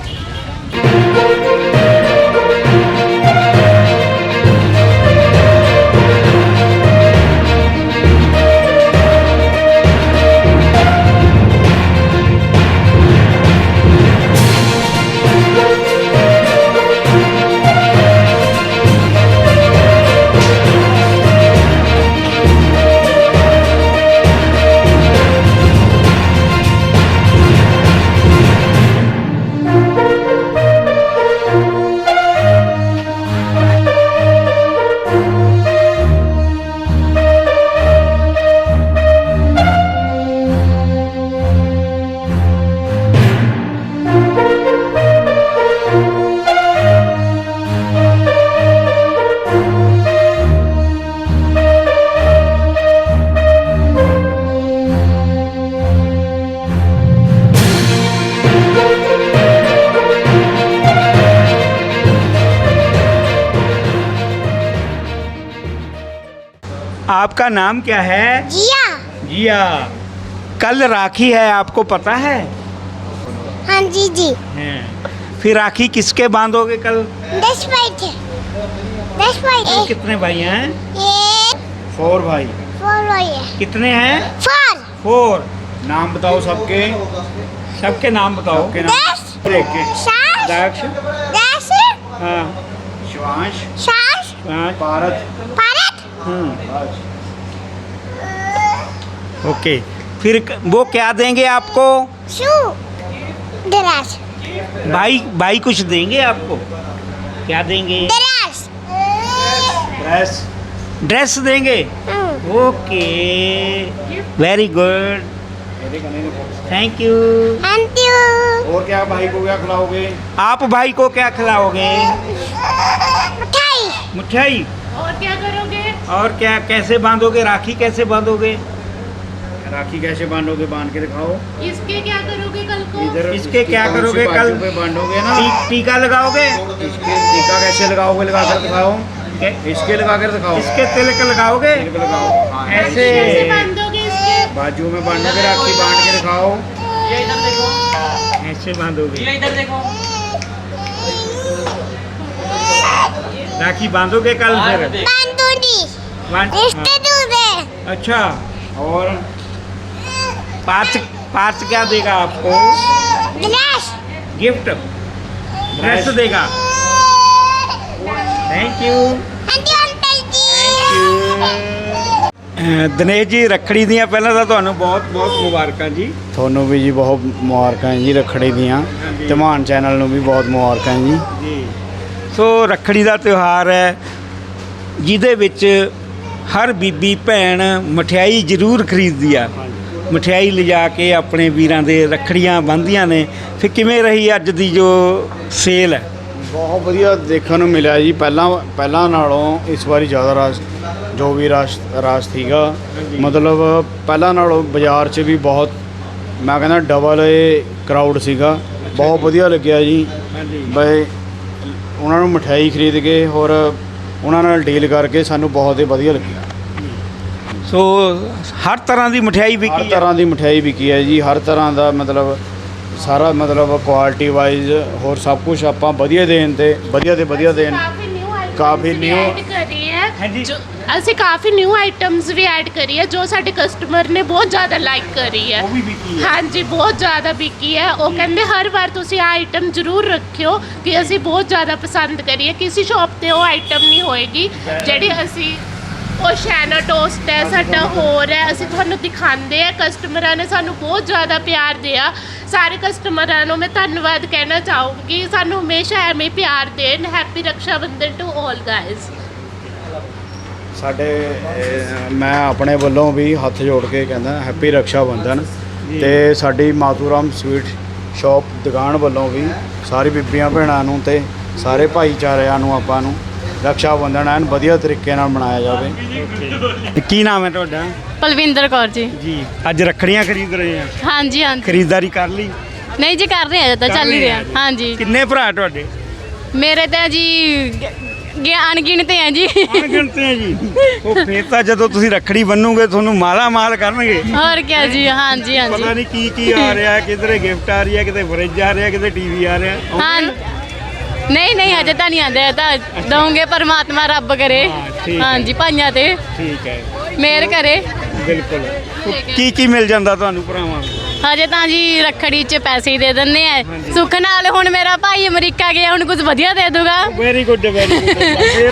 आपका नाम क्या है
जिया
जिया कल राखी है आपको पता है
हाँ जी जी
हैं। फिर राखी किसके बांधोगे कल
दस भाई थे दस भाई
कल कितने भाई हैं
ये
फोर भाई
फोर भाई है
कितने हैं
फोर
फोर नाम बताओ सबके सबके नाम बताओ के नाम
दस
देख के
सात
दक्ष
दस
हाँ शिवांश
सात
हाँ, भारत
भारत
हम्म ओके फिर क- वो क्या देंगे आपको
शू दराज
भाई भाई कुछ देंगे आपको क्या देंगे
दराज
ड्रेस ड्रेस देंगे okay very good thank you
thank you
और क्या भाई को क्या खिलाओगे आप भाई को क्या खिलाओगे
मिठाई
मिठाई
और क्या करोगे
और क्या कैसे बांधोगे राखी कैसे बांधोगे राखी कैसे बांधोगे, बांध के दिखाओ।
इसके क्या करोगे कल को?
इधर इसके क्या करोगे कल?
पे बांधोगे ना।
टी, टीका लगाओगे?
इसके टीका कैसे लगाओगे, लगा कर दिखाओ। इसके लगा कर दिखाओ।
इसके तिलक लगाओगे?
तिलक लगाओ। हाँ,
ऐसे
कैसे बांधोगे इसके?
बाजू में बांधोगे, राखी बांध के दिखाओ।
ऐसे बांधोगे।
इधर देखो।
राखी बांधोगे कल फिर? बांध- हाँ। अच्छा, और पार्थ पार्थ क्या देगा आपको? गिफ्ट ड्रेस देगा। थैंक यू ਦਿਨੇਸ਼ ਜੀ ਰੱਖੜੀ ਦੀਆਂ ਪਹਿਲਾਂ ਤਾਂ ਤੁਹਾਨੂੰ ਬਹੁਤ ਬਹੁਤ ਮੁਬਾਰਕਾਂ ਜੀ।
ਤੁਹਾਨੂੰ ਵੀ ਜੀ ਬਹੁਤ ਮੁਬਾਰਕਾਂ ਜੀ ਰੱਖੜੀ ਦੀਆਂ, ਧਮਾਨ ਚੈਨਲ ਨੂੰ ਵੀ ਬਹੁਤ ਮੁਬਾਰਕਾਂ ਜੀ।
ਜੀ ਸੋ ਰੱਖੜੀ ਦਾ ਤਿਉਹਾਰ ਹੈ ਜਿਹਦੇ ਵਿੱਚ ਹਰ ਬੀਬੀ ਭੈਣ ਮਠਿਆਈ ਜ਼ਰੂਰ ਖਰੀਦਦੀ ਆ, ਮਠਿਆਈ ਲਿਜਾ ਕੇ ਆਪਣੇ ਵੀਰਾਂ ਦੇ ਰੱਖੜੀਆਂ ਬੰਨ੍ਹਦੀਆਂ ਨੇ। ਫਿਰ ਕਿਵੇਂ ਰਹੀ ਅੱਜ ਦੀ ਜੋ ਸੇਲ ਹੈ?
ਬਹੁਤ ਵਧੀਆ ਦੇਖਣ ਨੂੰ ਮਿਲਿਆ ਜੀ। ਪਹਿਲਾਂ ਪਹਿਲਾਂ ਨਾਲੋਂ ਇਸ ਵਾਰੀ ਜ਼ਿਆਦਾ ਰਸ਼, ਜੋ ਵੀ ਰਸ਼ ਰਸ਼ ਸੀਗਾ, ਮਤਲਬ ਪਹਿਲਾਂ ਨਾਲੋਂ ਬਾਜ਼ਾਰ 'ਚ ਵੀ ਬਹੁਤ, ਮੈਂ ਕਹਿੰਦਾ ਡਬਲ ਇਹ ਕਰਾਊਡ ਸੀਗਾ। ਬਹੁਤ ਵਧੀਆ ਲੱਗਿਆ ਜੀ। ਬਈ ਉਹਨਾਂ ਨੂੰ ਮਠਿਆਈ ਖਰੀਦ ਕੇ ਹੋਰ ਉਹਨਾਂ ਨਾਲ ਡੀਲ ਕਰਕੇ ਸਾਨੂੰ ਬਹੁਤ ਹੀ ਵਧੀਆ ਲੱਗਿਆ।
ਸੋ ਹਰ ਤਰ੍ਹਾਂ ਦੀ ਮਠਿਆਈ
ਹਰ
ਵਿਕੀ ਹੈ।
ਤਰ੍ਹਾਂ ਦੀ ਮਠਿਆਈ ਵਿਕੀ ਹੈ ਜੀ, ਹਰ ਤਰ੍ਹਾਂ ਦਾ ਮਤਲਬ ਸਾਰਾ ਮਤਲਬ ਕੁਆਲਿਟੀ ਵਾਈਜ਼ ਹੋਰ ਸਭ ਕੁਝ ਆਪਾਂ ਵਧੀਆ ਦੇਣ ਤੇ ਵਧੀਆ ਤੇ ਵਧੀਆ ਦੇਣ। ਕਾਫੀ ਨਿਊ
ਕਰੀ ਹੈ ਜੋ ਅਸੀਂ ਕਾਫੀ ਨਿਊ ਆਈਟਮਸ ਵੀ ਐਡ ਕਰੀ ਹੈ ਜੋ ਸਾਡੇ ਕਸਟਮਰ ਨੇ ਬਹੁਤ ਜ਼ਿਆਦਾ ਲਾਈਕ ਕਰੀ ਹੈ।
ਉਹ ਵੀ ਵਿਕੀ ਹੈ।
ਹਾਂਜੀ ਬਹੁਤ ਜ਼ਿਆਦਾ ਵਿਕੀ ਹੈ। ਉਹ ਕਹਿੰਦੇ ਹਰ ਵਾਰ ਤੁਸੀਂ ਆ ਆਈਟਮ ਜ਼ਰੂਰ ਰੱਖਿਓ ਕਿ ਅਸੀਂ ਬਹੁਤ ਜ਼ਿਆਦਾ ਪਸੰਦ ਕਰੀਏ। ਕਿਸੇ ਸ਼ਾਪ ਤੇ ਉਹ ਆਈਟਮ ਨਹੀਂ ਹੋਏਗੀ ਜਿਹੜੀ ਅਸੀਂ, ਉਹ ਸ਼ੈਨਾ ਟੋਸਟ ਹੈ ਸਾਡਾ, ਹੋਰ ਹੈ, ਅਸੀਂ ਤੁਹਾਨੂੰ ਦਿਖਾਉਂਦੇ ਆ। ਕਸਟਮਰਾਂ ਨੇ ਸਾਨੂੰ ਬਹੁਤ ਜ਼ਿਆਦਾ ਪਿਆਰ ਦਿਆ। ਸਾਰੇ ਕਸਟਮਰਾਂ ਨੂੰ ਮੈਂ ਧੰਨਵਾਦ ਕਹਿਣਾ ਚਾਹੂੰਗੀ, ਸਾਨੂੰ ਹਮੇਸ਼ਾ ਐਵੇਂ ਹੀ ਪਿਆਰ ਦੇਣ। Happy Raksha Bandhan to all guys.
ਸਾਡੇ ਅਹ, ਮੈਂ ਆਪਣੇ ਵੱਲੋਂ ਵੀ ਹੱਥ ਜੋੜ ਕੇ ਕਹਿੰਦਾ ਹੈਪੀ ਰਕਸ਼ਾ ਬੰਧਨ। ਤੇ ਸਾਡੀ ਮਾਤੂਰਾਮ ਸਵੀਟ ਸ਼ਾਪ ਦੁਕਾਨ ਵੱਲੋਂ ਵੀ ਸਾਰੀ ਬੀਬੀਆਂ ਭੈਣਾਂ ਨੂੰ ਤੇ ਸਾਰੇ ਭਾਈਚਾਰਿਆਂ ਨੂੰ ਆਪਾਂ ਨੂੰ ਰਕਸ਼ਾ ਬੰਧਨ ਐਨ ਵਧੀਆ ਤਰੀਕੇ ਨਾਲ ਮਨਾਇਆ ਜਾਵੇ।
ਕੀ ਨਾਮ ਹੈ ਤੁਹਾਡਾ?
ਪਲਵਿੰਦਰ ਕੌਰ ਜੀ।
ਜੀ ਅੱਜ ਰੱਖੜੀਆਂ ਖਰੀਦ ਰਹੇ ਆ?
ਹਾਂਜੀ ਹਾਂਜੀ।
ਖਰੀਦਦਾਰੀ ਕਰ ਲਈ?
ਨਹੀਂ ਜੀ ਕਰ ਰਹੇ ਆ, ਤਾਂ ਚੱਲ ਹੀ ਰਿਹਾ। ਹਾਂਜੀ।
ਕਿੰਨੇ ਭਰਾ ਤੁਹਾਡੇ?
ਮੇਰੇ ਤਾਂ ਜੀ ਗਿਆਨ ਗਿਣਤੇ ਆ ਜੀ।
ਗਿਣਤੇ ਆ ਜੀ। ਉਹ ਫੇਰ ਤਾਂ ਜਦੋਂ ਤੁਸੀਂ ਰੱਖੜੀ ਬੰਨੋਗੇ ਤੁਹਾਨੂੰ ਮਾਲਾ ਮਾਲ ਕਰਨਗੇ।
ਹੋਰ ਕੀ ਜੀ। ਹਾਂਜੀ ਹਾਂਜੀ।
ਪਤਾ ਨਹੀਂ ਕੀ ਕੀ ਆ ਰਿਹਾ, ਕਿਧਰੇ ਗਿਫਟ ਆ ਰਹੀ ਹੈ, ਕਿਤੇ ਫਰਿੱਜ ਆ ਰਿਹਾ, ਕਿਤੇ ਟੀਵੀ ਆ ਰਿਹਾ।
ਹਾਂ ਨਹੀਂ ਨਹੀਂ ਹਜੇ ਤਾਂ ਨਹੀਂ ਆਂਦੇ, ਤਾਂ ਦਊਂਗੇ ਪਰਮਾਤਮਾ ਰੱਬ ਕਰੇ।
ਹਾਂ, ਠੀਕ ਹੈ।
ਹਾਂਜੀ ਭਾਈਆਂ ਤੇ
ਠੀਕ ਹੈ,
ਮਿਹਰ ਕਰੇ।
ਬਿਲਕੁਲ। ਕੀ ਕੀ ਮਿਲ ਜਾਂਦਾ ਤੁਹਾਨੂੰ ਭਰਾਵਾਂ ਨੂੰ?
ਹਜੇ ਤਾਂ ਜੀ ਰੱਖੜੀ 'ਚ ਪੈਸੇ ਹੀ ਦੇ ਦਿੰਦੇ ਆ। ਸੁੱਖ ਨਾਲ ਹੁਣ ਮੇਰਾ ਭਾਈ ਅਮਰੀਕਾ ਗਿਆ, ਹੁਣ ਕੁਝ ਵਧੀਆ ਦੇ ਦੂਗਾ।
Very good very good. ਇਹ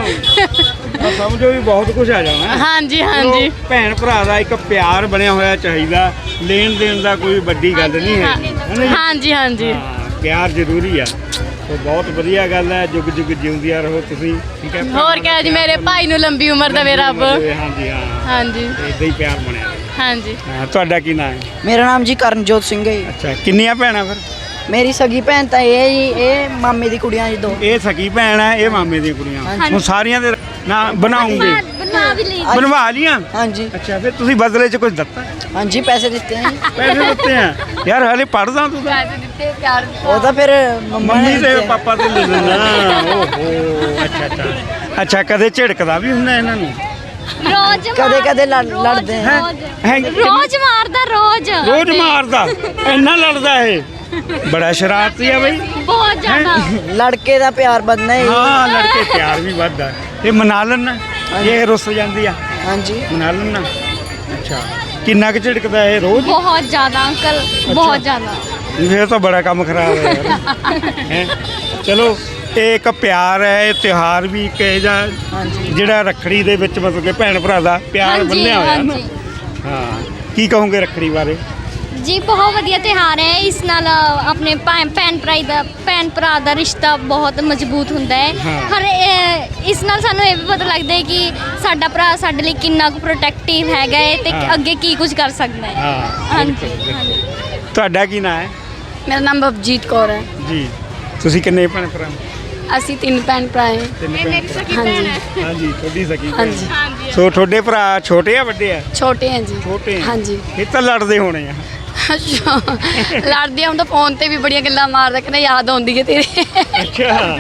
ਤਾਂ ਸਮਝੋ ਵੀ ਬਹੁਤ ਕੁਝ ਆ ਜਾਣਾ।
ਹਾਂਜੀ ਹਾਂਜੀ।
ਭੈਣ ਭਰਾ ਦਾ ਇੱਕ ਪਿਆਰ ਬਣਿਆ ਹੋਇਆ ਚਾਹੀਦਾ, ਲੈਣ ਦੇਣ ਦਾ ਕੋਈ ਵੱਡੀ ਗੱਲ ਨਹੀਂ ਹੈ।
ਹਾਂਜੀ ਹਾਂਜੀ।
ਪਿਆਰ ਜ਼ਰੂਰੀ ਆ। ਤੇ ਬਹੁਤ ਵਧੀਆ ਗੱਲ ਹੈ। ਜੁਗ ਜੁਗ ਜਿਉਂਦੀਆਂ ਰਹੋ ਤੁਸੀਂ। ਠੀਕ ਹੈ।
ਹੋਰ ਕਿਆ ਜੀ, ਮੇਰੇ ਭਾਈ ਨੂੰ ਲੰਬੀ ਉਮਰ ਦੇਵੇ ਰੱਬ।
ਹਾਂਜੀ ਹਾਂ।
ਹਾਂਜੀ
ਇਦਾਂ ਹੀ ਪਿਆਰ ਬਣਿਆ ਰਹੇ।
ਹਾਂਜੀ।
ਹਾਂ, ਤੁਹਾਡਾ ਕੀ ਨਾਮ ਹੈ?
ਮੇਰਾ ਨਾਮ ਜੀ ਕਰਨਜੋਤ ਸਿੰਘ ਹੈ ਜੀ।
ਅੱਛਾ, ਕਿੰਨੀਆਂ ਭੈਣਾਂ ਫਿਰ?
ਮੇਰੀ ਸਗੀ ਭੈਣ ਤਾਂ ਇਹ ਹੈ ਜੀ, ਇਹ ਮਾਮੇ ਦੀ ਕੁੜੀਆਂ ਜੀ ਦੋ।
ਇਹ ਸਕੀ ਭੈਣ ਹੈ, ਇਹ ਮਾਮੇ ਦੀਆਂ ਕੁੜੀਆਂ। ਹੁਣ ਸਾਰੀਆਂ ਦੇ ਨਾਂ ਬਣਾਉਂਗੇ?
ਬਣਾ ਵੀ ਲਈ।
ਬਣਵਾ ਲੀਆਂ?
ਹਾਂਜੀ।
ਅੱਛਾ, ਫਿਰ ਤੁਸੀਂ ਬਦਲੇ 'ਚ ਕੁਝ ਦਿੱਤਾ?
ਹਾਂਜੀ ਪੈਸੇ ਦਿੱਤੇ ਆ ਜੀ।
ਪੈਸੇ ਦਿੱਤੇ ਆ? ਯਾਰ ਹਲੇ ਪੜਦਾ ਤੂੰ ਤਾਂ।
ਦਿੱਤੇ ਪਿਆਰ।
ਉਹ ਤਾਂ ਫਿਰ ਮੰਮਾ ਨੇ
ਮੰਮੀ ਤੇ
ਦਿੱਤੇ ਆ।
ਪਾਪਾ ਤੇ ਲੈ ਲੈਣਾ। ਓਹੋ ਅੱਛਾ ਅੱਛਾ। ਅੱਛਾ, ਕਦੇ ਝਿੜਕਦਾ ਵੀ ਹੁੰਦਾ ਇਹਨਾਂ ਨੂੰ?
ਰੋਜ਼
ਕਦੇ ਕਦੇ ਲੜ- ਲੜਦੇ ਆ।
ਹੈਂ?
ਰੋਜ਼ ਮਾਰਦਾ ਰੋਜ਼।
ਰੋਜ਼ ਮਾਰਦਾ? ਇੰਨਾ ਲੜਦਾ ਇਹ? ਬੜਾ ਸ਼ਰਾਰਤੀ ਆ ਬਈ।
ਬਹੁਤ ਜ਼ਿਆਦਾ।
ਲੜਕੇ ਦਾ ਪਿਆਰ ਵੱਧਣਾ ਹੈ ਜੀ।
ਹਾਂ, ਲੜਕੇ ਪਿਆਰ ਵੀ ਵੱਧਦਾ। ਇਹ ਮਨਾ ਲੈਣਾ ਜੇ ਰੁੱਸ ਜਾਂਦੀ ਆ?
ਹਾਂਜੀ
ਮਨਾ ਲੈਣਾ। ਅੱਛਾ, ਕਿੰਨਾ ਕੁ ਝਿੜਕਦਾ ਇਹ ਰੋਜ਼?
ਬਹੁਤ ਜ਼ਿਆਦਾ ਅੰਕਲ, ਬਹੁਤ ਜ਼ਿਆਦਾ।
ਇਹ ਤਾਂ ਬੜਾ ਕੰਮ ਖਰਾਬ ਹੈ ਯਾਰ। ਹੈਂ? ਚਲੋ, ਇਹ ਇੱਕ ਪਿਆਰ ਹੈ, ਇਹ ਤਿਉਹਾਰ ਵੀ ਇੱਕ ਇਹ ਜਿਹਾ ਜਿਹੜਾ ਰੱਖੜੀ ਦੇ ਵਿੱਚ ਮਤਲਬ ਕਿ ਭੈਣ ਭਰਾ ਦਾ ਪਿਆਰ ਬੰਨਿਆ ਹੋਇਆ ਨਾ। ਹਾਂ, ਕੀ ਕਹੋਗੇ ਰੱਖੜੀ ਬਾਰੇ?
ਜੀ ਬਹੁਤ ਵਧੀਆ ਤਿਉਹਾਰ ਹੈ। ਇਸ ਨਾਲ ਆਪਣੇ ਭੈਣ ਭੈਣ ਭਰਾ ਦਾ ਭੈਣ ਭਰਾ ਦਾ ਰਿਸ਼ਤਾ ਬਹੁਤ ਮਜ਼ਬੂਤ ਹੁੰਦਾ ਹੈ। ਹਰ ਇਹ- ਇਸ ਨਾਲ ਸਾਨੂੰ ਇਹ ਵੀ ਪਤਾ ਲੱਗਦਾ ਹੈ ਕਿ ਸਾਡਾ ਭਰਾ ਸਾਡੇ ਲਈ ਕਿੰਨਾ ਕੁ ਪ੍ਰੋਟੈਕਟਿਵ ਹੈਗਾ ਹੈ ਤੇ ਅੱਗੇ ਕੀ ਕੁਝ ਕਰ ਸਕਦਾ ਹੈ।
ਹਾਂ,
ਹਾਂਜੀ।
ਤੁਹਾਡਾ ਕੀ ਨਾਮ ਹੈ?
ਮੇਰਾ ਨਾਮ ਬਬਜੀਤ ਕੌਰ ਹੈ
ਜੀ। ਤੁਸੀਂ ਕਿੰਨੇ ਭੈਣ ਭਰਾ?
ਅਸੀਂ ਤਿੰਨ ਭੈਣ ਭਰਾ ਹੈ।
ਇਹ ਮੇਰੀ
ਸਕੀ ਭੈਣ ਹੈ।
ਹਾਂਜੀ ਤੁਹਾਡੀ ਸਕੀ ਭੈਣ।
ਹਾਂਜੀ
ਸੋ ਤੁਹਾਡੇ ਭਰਾ ਛੋਟੇ ਆ ਵੱਡੇ ਆ?
ਛੋਟੇ ਹੈ ਜੀ।
ਛੋਟੇ ਆ।
ਹਾਂਜੀ।
ਇਹ ਤਾਂ ਲੜਦੇ ਹੋਣੇ ਆ।
ਅੱਛਾ ਲੜਦੇ ਆ, ਹੁਣ ਤਾਂ ਫੋਨ ਤੇ ਵੀ ਬੜੀਆਂ ਗੱਲਾਂ ਮਾਰਦਾ, ਕਹਿੰਦਾ ਯਾਦ ਆਉਂਦੀ ਹੈ ਤੇਰੇ।
ਅੱਛਾ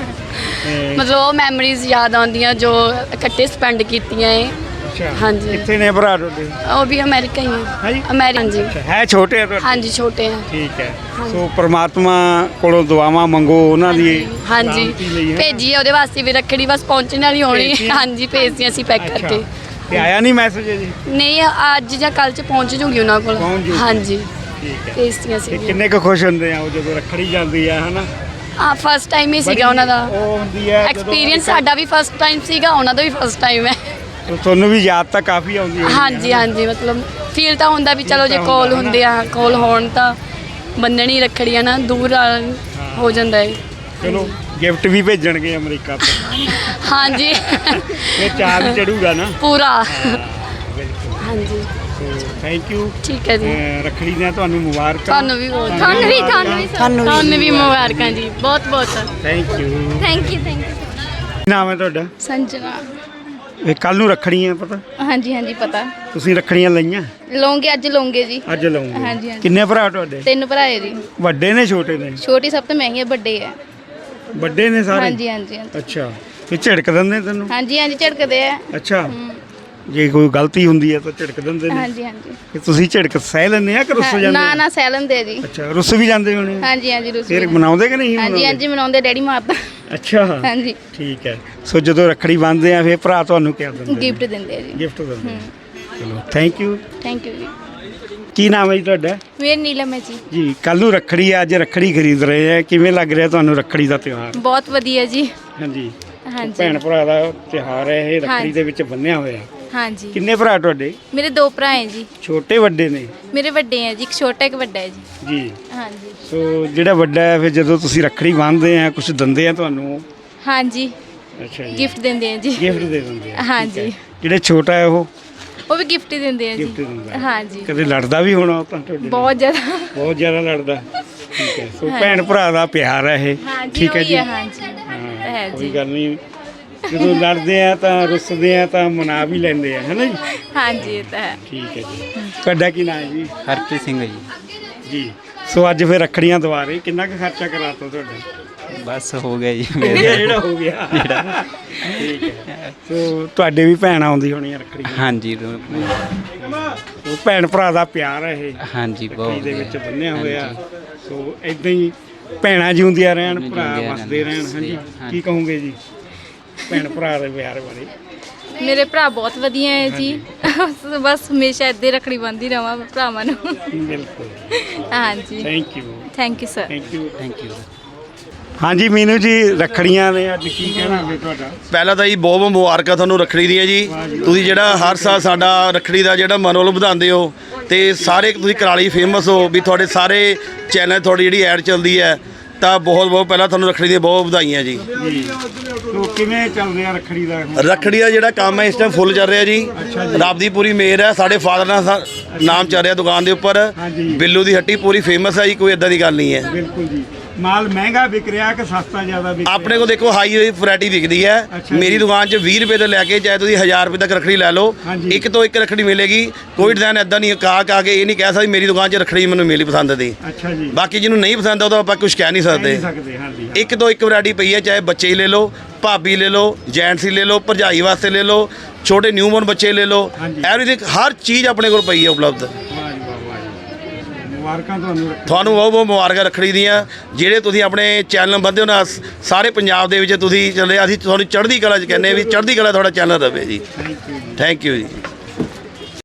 ਮਤਲਬ ਉਹ ਮੈਮਰੀਜ਼ ਯਾਦ ਆਉਂਦੀਆਂ ਜੋ ਇਕੱਠੇ ਸਪੈਂਡ ਕੀਤੀਆਂ ਹੈ।
ਅੱਛਾ
ਹਾਂਜੀ।
ਕਿੱਥੇ ਨੇ ਭਰਾ ਤੁਹਾਡੇ?
ਉਹ ਵੀ ਅਮਰੀਕਾ ਹੀ
ਹਾਂਜੀ?
ਹੈ। ਅਮਰੀਕਾ ਹਾਂਜੀ।
ਅੱਛਾ, ਹੈ ਛੋਟੇ ਆ ਤੁਹਾਡੇ?
ਹਾਂਜੀ ਛੋਟੇ ਆ।
ਠੀਕ ਹੈ। ਸੋ ਪ੍ਰਮਾਤਮਾ ਕੋਲੋਂ ਦੁਆਵਾਂ ਮੰਗੋ ਉਹਨਾਂ ਦੀ
ਹਾਂਜੀ
ਸਲਾਮਤੀ ਲਈ, ਹੈ ਨਾ?
ਭੇਜੀ ਆ ਉਹਦੇ ਵਾਸਤੇ ਵੀ ਰੱਖੜੀ ਬਸ ਪਹੁੰਚਣ ਵਾਲੀ ਹੋਣੀ।
ਭੇਜਤੀ ਆ?
ਹਾਂਜੀ ਭੇਜਦੀ ਅਸੀਂ ਪੈਕ
ਅੱਛਾ।
ਕਰਕੇ।
ਤੇ ਆਇਆ ਨਹੀਂ ਮੈਸੇਜ ਜੀ?
ਨਹੀਂ ਅੱਜ ਜਾਂ ਕੱਲ ਚ ਪਹੁੰਚ ਜੂਗੀ ਉਹਨਾਂ ਕੋਲ।
ਪਹੁੰਚ ਜੂਗੀ।
ਹਾਂਜੀ
ਠੀਕ ਹੈ।
ਭੇਜਤੀਆਂ
ਤੇ
ਸੀ।
ਕਿੰਨੇ ਕੁ ਖੁਸ਼ ਹੁੰਦੇ ਆ ਉਹ ਜਦੋਂ ਰੱਖੜੀ ਜਾਂਦੀ ਆ, ਹਨਾ?
ਆ ਫਸਟ ਟਾਈਮ ਹੀ ਸੀਗਾ ਉਹਨਾਂ ਦਾ
ਉਹ ਹੁੰਦੀ ਹੈ ਜਦੋਂ
ਐਕਸਪੀਰੀਅੰਸ। ਸਾਡਾ ਵੀ ਫਸਟ ਟਾਈਮ ਸੀਗਾ, ਉਹਨਾਂ ਦਾ ਵੀ ਫਸਟ ਟਾਈਮ ਹੈ।
ਤੁਹਾਨੂੰ ਵੀ ਯਾਦ ਤਾਂ ਕਾਫੀ ਆਉਂਦੀ ਹੋਣੀ ਹੈ,
ਹਾਂਜੀ
ਹਨਾ?
ਹਾਂਜੀ ਮਤਲਬ ਫੀਲ ਤਾਂ ਹੁੰਦਾ ਵੀ ਚਲੋ ਜੇ
ਤਾਂ
ਕੋਲ
ਹੁੰਦਾ,
ਹੁੰਦੇ ਆ, ਕੋਲ ਹੋਣ ਤਾਂ ਬੰਨਣੀ ਰੱਖੜੀਆਂ ਨਾ, ਦੂਰ ਆ- ਹੋ ਜਾਂਦਾ ਹੈ।
ਚਲੋ ਗਿਫਟ ਵੀ ਭੇਜਣਗੇ ਅਮਰੀਕਾ ਤੋਂ।
ਹਾਂਜੀ
ਇਹ ਚਾਰ ਚੜੂਗਾ ਨਾ
ਪੂਰਾ।
ਬਿਲਕੁਲ।
ਹਾਂਜੀ
ਥੈਂਕ ਯੂ।
ਠੀਕ ਹੈ ਜੀ।
ਰੱਖੜੀ ਦੀਆਂ ਤੁਹਾਨੂੰ ਮੁਬਾਰਕਾਂ।
ਤੁਹਾਨੂੰ ਵੀ ਬਹੁਤ
ਤੁਹਾਨੂੰ ਵੀ ਤੁਹਾਨੂੰ ਵੀ
ਤੁਹਾਨੂੰ ਵੀ ਮੁਬਾਰਕਾਂ ਜੀ, ਬਹੁਤ ਬਹੁਤ
thank you.
Thank you thank you.
ਕੀ ਨਾਮ ਹੈ ਤੁਹਾਡਾ?
ਸੰਜਨਾ।
ਇਹ ਕੱਲ ਨੂੰ ਰੱਖੜੀਆਂ ਪਤਾ?
ਹਾਂਜੀ ਹਾਂਜੀ ਪਤਾ।
ਤੁਸੀਂ ਰੱਖੜੀਆਂ ਲਈਆਂ?
ਲਓਗੇ ਅੱਜ ਲਓਗੇ ਜੀ।
ਅੱਜ ਲਾਉਂਗੇ?
ਹਾਂਜੀ, ਹਾਂਜੀ।
ਕਿੰਨੇ ਭਰਾ ਤੁਹਾਡੇ?
ਤਿੰਨ ਭਰਾ ਹੈ ਜੀ।
ਵੱਡੇ ਨੇ ਛੋਟੇ ਨੇ?
ਛੋਟੀ ਸਭ ਤੋਂ ਮਹਿੰਗੀ ਹੈ, ਵੱਡੇ ਹੈ।
ਵੱਡੇ ਨੇ ਸਾਰੇ?
ਹਾਂਜੀ ਹਾਂਜੀ ਹਾਂਜੀ।
ਅੱਛਾ ਇਹ ਝਿੜਕ ਦਿੰਦੇ ਤੈਨੂੰ?
ਹਾਂਜੀ ਹਾਂਜੀ ਝੜਕਦੇ ਆ।
ਅੱਛਾ ਜੇ ਕੋਈ ਗਲਤੀ ਹੁੰਦੀ ਹੈ ਤਾਂ ਝਿੜਕ ਦਿੰਦੇ ਨੇ?
ਹਾਂਜੀ ਹਾਂਜੀ।
ਕਿ ਤੁਸੀਂ ਝਿੜਕ ਸਹਿ ਲੈਂਦੇ ਆ ਕਿ ਰੁੱਸ
ਹਾਂ,
ਜਾਂਦੇ
ਨਾ
ਆ?
ਨਾ ਸੈਲਨ ਦੇ ਜੀ।
ਅੱਛਾ ਰੁੱਸ ਵੀ ਜਾਂਦੇ ਹੋਣੇ?
ਹਾਂਜੀ ਹਾਂਜੀ ਰੂਸ
ਫਿਰ ਮਨਾਉਂਦੇ ਕਿ ਨਹੀਂ
ਹਾਂਜੀ
ਮਨਾਉਂਦੇ?
ਹਾਂਜੀ ਮਨਾਉਂਦੇ, ਡੈਡੀ ਮਾਰਦਾ।
ਅੱਛਾ
ਹਾਂਜੀ।
ਠੀਕ ਹੈ। ਸੋ ਜਦੋਂ ਰੱਖੜੀ ਬੰਨ੍ਹਦੇ ਆ ਫਿਰ ਭਰਾ ਤੁਹਾਨੂੰ ਕੀ ਦਿੰਦੇ ਨੇ?
ਗਿਫਟ ਦਿੰਦੇ ਆ ਜੀ।
ਗਿਫਟ ਦਿੰਦੇ ਆ। ਚਲੋ ਥੈਂਕ ਯੂ।
ਥੈਂਕ ਯੂ ਜੀ।
ਕੀ ਨਾਮ ਹੈ ਜੀ ਤੁਹਾਡਾ?
ਮੇਰੀ ਨੀਲਮ ਹੈ ਜੀ।
ਜੀ ਕੱਲ ਨੂੰ ਰੱਖੜੀ ਆ, ਅੱਜ ਰੱਖੜੀ ਖਰੀਦ ਰਹੇ ਆ, ਕਿਵੇਂ ਲੱਗ ਰਿਹਾ ਤੁਹਾਨੂੰ ਰੱਖੜੀ ਦਾ ਤਿਉਹਾਰ?
ਬਹੁਤ ਵਧੀਆ ਜੀ।
ਹਾਂਜੀ
ਹਾਂਜੀ
ਭੈਣ ਭਰਾ ਦਾ ਤਿਉਹਾਰ ਹੈ ਇਹ, ਰੱਖੜੀ
ਹਾਂਜੀ।
ਦੇ ਵਿੱਚ ਬੰਨਿਆ ਹੋਇਆ।
ਹਾਂਜੀ।
ਕਿੰਨੇ ਭਰਾ ਤੁਹਾਡੇ?
ਮੇਰੇ ਦੋ ਭਰਾ ਹੈ ਜੀ।
ਛੋਟੇ ਵੱਡੇ ਨੇ?
ਮੇਰੇ ਵੱਡੇ ਹੈ ਜੀ, ਇੱਕ ਛੋਟਾ ਇੱਕ ਵੱਡਾ ਹੈ ਜੀ।
ਜੀ
ਹਾਂਜੀ
ਸੋ ਜਿਹੜਾ ਵੱਡਾ ਹੈ ਫਿਰ ਜਦੋਂ ਤੁਸੀਂ ਰੱਖੜੀ ਬੰਨ੍ਹਦੇ ਆ ਕੁਝ ਦਿੰਦੇ ਆ ਤੁਹਾਨੂੰ?
ਹਾਂਜੀ
ਅੱਛਾ ਜੀ
ਗਿਫਟ ਦਿੰਦੇ ਆ ਜੀ।
ਗਿਫਟ ਦੇ ਦਿੰਦੇ ਆ?
ਹਾਂਜੀ।
ਠੀਕ ਹੈ। ਜਿਹੜਾ ਛੋਟਾ ਹੈ ਉਹ
ਉਹ ਵੀ ਗਿਫਟ ਹੀ ਦਿੰਦੇ ਆ ਜੀ।
ਗਿਫਟ ਦਿੰਦਾ ਹੈ?
ਹਾਂਜੀ
ਕਦੇ ਲੜਦਾ ਵੀ ਹੋਣਾ ਉਹ ਤਾਂ ਤੁਹਾਡੇ ਨਾਲ?
ਬਹੁਤ ਜ਼ਿਆਦਾ।
ਬਹੁਤ ਜ਼ਿਆਦਾ ਲੜਦਾ। ਠੀਕ ਹੈ। ਸੋ ਭੈਣ ਭਰਾ ਦਾ ਪਿਆਰ ਹੈ ਇਹ।
ਹਾਂਜੀ
ਠੀਕ ਹੈ
ਉਹੀ
ਜੀ।
ਹੈ, ਹਾਂਜੀ
ਹਾਂ,
ਹੈ
ਕੋਈ
ਜੀ।
ਗੱਲ ਨਹੀਂ। ਜਦੋਂ ਲੜਦੇ ਆ ਤਾਂ ਰੁੱਸਦੇ ਆ ਤਾਂ ਮਨਾ ਵੀ ਲੈਂਦੇ ਆ, ਹੈ ਨਾ ਜੀ?
ਹਾਂਜੀ ਇਹ ਤਾਂ ਹੈ।
ਠੀਕ ਹੈ ਜੀ। ਤੁਹਾਡਾ ਕੀ ਨਾਮ ਹੈ ਜੀ?
ਹਰਪ੍ਰੀਤ ਸਿੰਘ ਹੈ ਜੀ।
ਜੀ ਸੋ ਅੱਜ ਫਿਰ ਰੱਖੜੀਆਂ ਦੁਆਰੇ ਕਿੰਨਾ ਕੁ ਖਰਚਾ ਕਰਾਤਾ ਤੁਹਾਡਾ?
ਬਸ ਹੋ ਗਿਆ ਜੀ
ਇਹ ਜਿਹੜਾ ਹੋ ਗਿਆ
ਜਿਹੜਾ।
ਠੀਕ ਹੈ। ਸੋ ਤੁਹਾਡੇ ਵੀ ਭੈਣ ਆਉਂਦੀ ਹੋਣੀ ਆ ਰੱਖੜੀ?
ਹਾਂਜੀ
ਸੋ ਭੈਣ ਭਰਾ ਦਾ ਪਿਆਰ ਹੈ ਇਹ
ਹਾਂਜੀ
ਰੱਖੜੀ
ਬਹੁਤ
ਦੇ ਵਿੱਚ ਬੰਨਿਆ ਹੋਇਆ। ਸੋ ਇਦਾਂ ਹੀ ਭੈਣਾਂ ਜਿਉਂਦੀਆਂ ਰਹਿਣ, ਭਰਾ
ਜਿਉਂਦੀਆਂ
ਵਸਦੇ ਰਹਿਣ। ਹਾਂਜੀ
ਹਾਂਜੀ।
ਕੀ ਕਹੋਗੇ ਜੀ ਭੈਣ ਭਰਾ ਦੇ ਪਿਆਰ ਬਾਰੇ?
ਮੇਰੇ ਭਰਾ ਬਹੁਤ ਵਧੀਆ ਹੈ ਜੀ। ਬਸ ਹਮੇਸ਼ਾ ਇੱਦਾਂ ਹੀ ਰੱਖੜੀ ਬੰਨ੍ਹਦੀ ਰਵਾਂ ਭਰਾਵਾਂ ਨੂੰ।
ਬਿਲਕੁਲ।
ਹਾਂਜੀ
thank you.
Thank you sir.
Thank you.
Thank you.
ਹਾਂਜੀ ਮੀਨੂ ਜੀ ਰੱਖੜੀਆਂ ਨੇ ਅੱਜ ਕੀ ਕਹਿਣਾ ਹੈ ਤੁਹਾਡਾ?
ਪਹਿਲਾਂ ਤਾਂ ਜੀ ਬਹੁਤ ਬਹੁਤ ਮੁਬਾਰਕਾਂ ਤੁਹਾਨੂੰ ਰੱਖੜੀ ਦੀਆਂ ਜੀ। ਤੁਸੀਂ ਜਿਹੜਾ ਹਰ ਸਾਲ ਸਾਡਾ ਰੱਖੜੀ ਦਾ ਜਿਹੜਾ ਮਨੋਬਲ ਵਧਾਉਂਦੇ ਹੋ ਤੇ ਸਾਰੇ ਤੁਸੀਂ ਕਰਾਲੀ ਫੇਮਸ ਹੋ ਵੀ ਤੁਹਾਡੇ ਸਾਰੇ ਚੈਨਲ ਤੁਹਾਡੀ ਜਿਹੜੀ ਐਡ ਚੱਲਦੀ ਹੈ ਤਾਂ ਬਹੁਤ ਬਹੁਤ ਪਹਿਲਾਂ ਤੁਹਾਨੂੰ ਰੱਖੜੀ ਦੀਆਂ ਬਹੁਤ ਵਧਾਈਆਂ ਜੀ।
ਜੀ ਸੋ ਕਿਵੇਂ ਚੱਲ ਰਿਹਾ ਰੱਖੜੀ ਦਾ?
ਰੱਖੜੀ ਦਾ ਜਿਹੜਾ ਕੰਮ ਹੈ ਇਸ ਟਾਈਮ ਫੁੱਲ ਚੱਲ ਰਿਹਾ ਜੀ। ਰੱਬ ਦੀ ਪੂਰੀ ਮਿਹਰ ਹੈ। ਸਾਡੇ ਫਾਦਰ ਨਾਲ ਸਾ- ਨਾਮ ਚੱਲ ਰਿਹਾ ਦੁਕਾਨ ਦੇ ਉੱਪਰ।
ਹਾਂਜੀ।
ਬਿੱਲੂ ਦੀ ਹੱਟੀ ਪੂਰੀ ਫੇਮਸ ਹੈ ਜੀ, ਕੋਈ ਇਦਾਂ ਦੀ ਗੱਲ ਨਹੀਂ ਹੈ।
ਬਿਲਕੁਲ ਜੀ। ਮਾਲ ਮਹਿੰਗਾ ਵਿਕ ਰਿਹਾ ਕਿ ਸਸਤਾ ਜ਼ਿਆਦਾ ਵਿਕ ਰਿਹਾ?
ਆਪਣੇ ਕੋਲ ਦੇਖੋ ਹਾਈ ਵੈਰਾਈਟੀ ਵਿਕਦੀ ਹੈ।
ਅੱਛਾ ਜੀ।
ਮੇਰੀ ਦੁਕਾਨ 'ਚ ਵੀਹ ਰੁਪਏ ਤੋਂ ਲੈ ਕੇ ਚਾਹੇ ਤੁਸੀਂ ਹਜ਼ਾਰ ਰੁਪਏ ਤੱਕ ਰੱਖੜੀ ਲੈ ਲਓ,
ਹਾਂਜੀ।
ਇੱਕ ਤੋਂ ਇੱਕ ਰੱਖੜੀ ਮਿਲੇਗੀ। ਕੋਈ ਡਿਜ਼ਾਈਨ ਇਦਾਂ ਨਹੀਂ ਕਾ ਕਾ ਕੇ ਇਹ ਨਹੀਂ ਕਹਿ ਸਕਦੀ ਮੇਰੀ ਦੁਕਾਨ 'ਚ ਰੱਖੜੀ ਮੈਨੂੰ ਮਿਲੀ ਪਸੰਦ ਦੀ।
ਅੱਛਾ ਜੀ।
ਬਾਕੀ ਜਿਹਨੂੰ ਨਹੀਂ ਪਸੰਦ ਉਹਦਾ ਆਪਾਂ ਕੁਝ ਕਹਿ ਨਹੀਂ
ਕਹਿ
ਸਕਦੇ।
ਨਹੀਂ ਸਕਦੇ। ਹਾਂਜੀ
ਇੱਕ ਤੋਂ ਇੱਕ ਵੈਰਾਈਟੀ ਪਈ ਹੈ, ਚਾਹੇ ਬੱਚੇ ਹੀ ਲੈ ਲਓ, ਭਾਬੀ ਲੈ ਲਓ, ਜੈਂਟਸ ਹੀ ਲੈ ਲਓ, ਭਰਜਾਈ ਵਾਸਤੇ ਲੈ ਲਓ, ਛੋਟੇ ਨਿਊਬੋਰਨ ਬੱਚੇ ਲੈ ਲਓ।
ਹਾਂਜੀ।
ਐਵਰੀਥਿੰਗ ਹਰ ਚੀਜ਼ ਆਪਣੇ ਕੋਲ ਪਈ ਹੈ ਉਪਲਬਧ।
ਵਾਹ ਜੀ ਵਾਹ, ਵਾਹ ਜੀ। ਮੁਬਾਰਕਾਂ ਤੁਹਾਨੂੰ ਰੱਖੜੀ।
ਤੁਹਾਨੂੰ ਬਹੁਤ ਬਹੁਤ ਮੁਬਾਰਕਾਂ ਰੱਖੜੀ ਦੀਆਂ। ਜਿਹੜੇ ਤੁਸੀਂ ਆਪਣੇ ਚੈਨਲ ਬੰਦੇ ਹੋ ਨਾ ਸਾਰੇ ਪੰਜਾਬ ਦੇ ਵਿੱਚ ਤੁਸੀਂ ਚੱਲੇ, ਅਸੀਂ ਤੁਹਾਨੂੰ ਚੜ੍ਹਦੀ ਕਲਾ 'ਚ ਕਹਿੰਦੇ ਹਾਂ ਵੀ ਚੜ੍ਹਦੀ ਕਲਾ ਤੁਹਾਡਾ ਚੈਨਲ ਰਵੇ ਜੀ।
ਥੈਂਕ ਯੂ ਜੀ।
ਥੈਂਕ ਯੂ ਜੀ।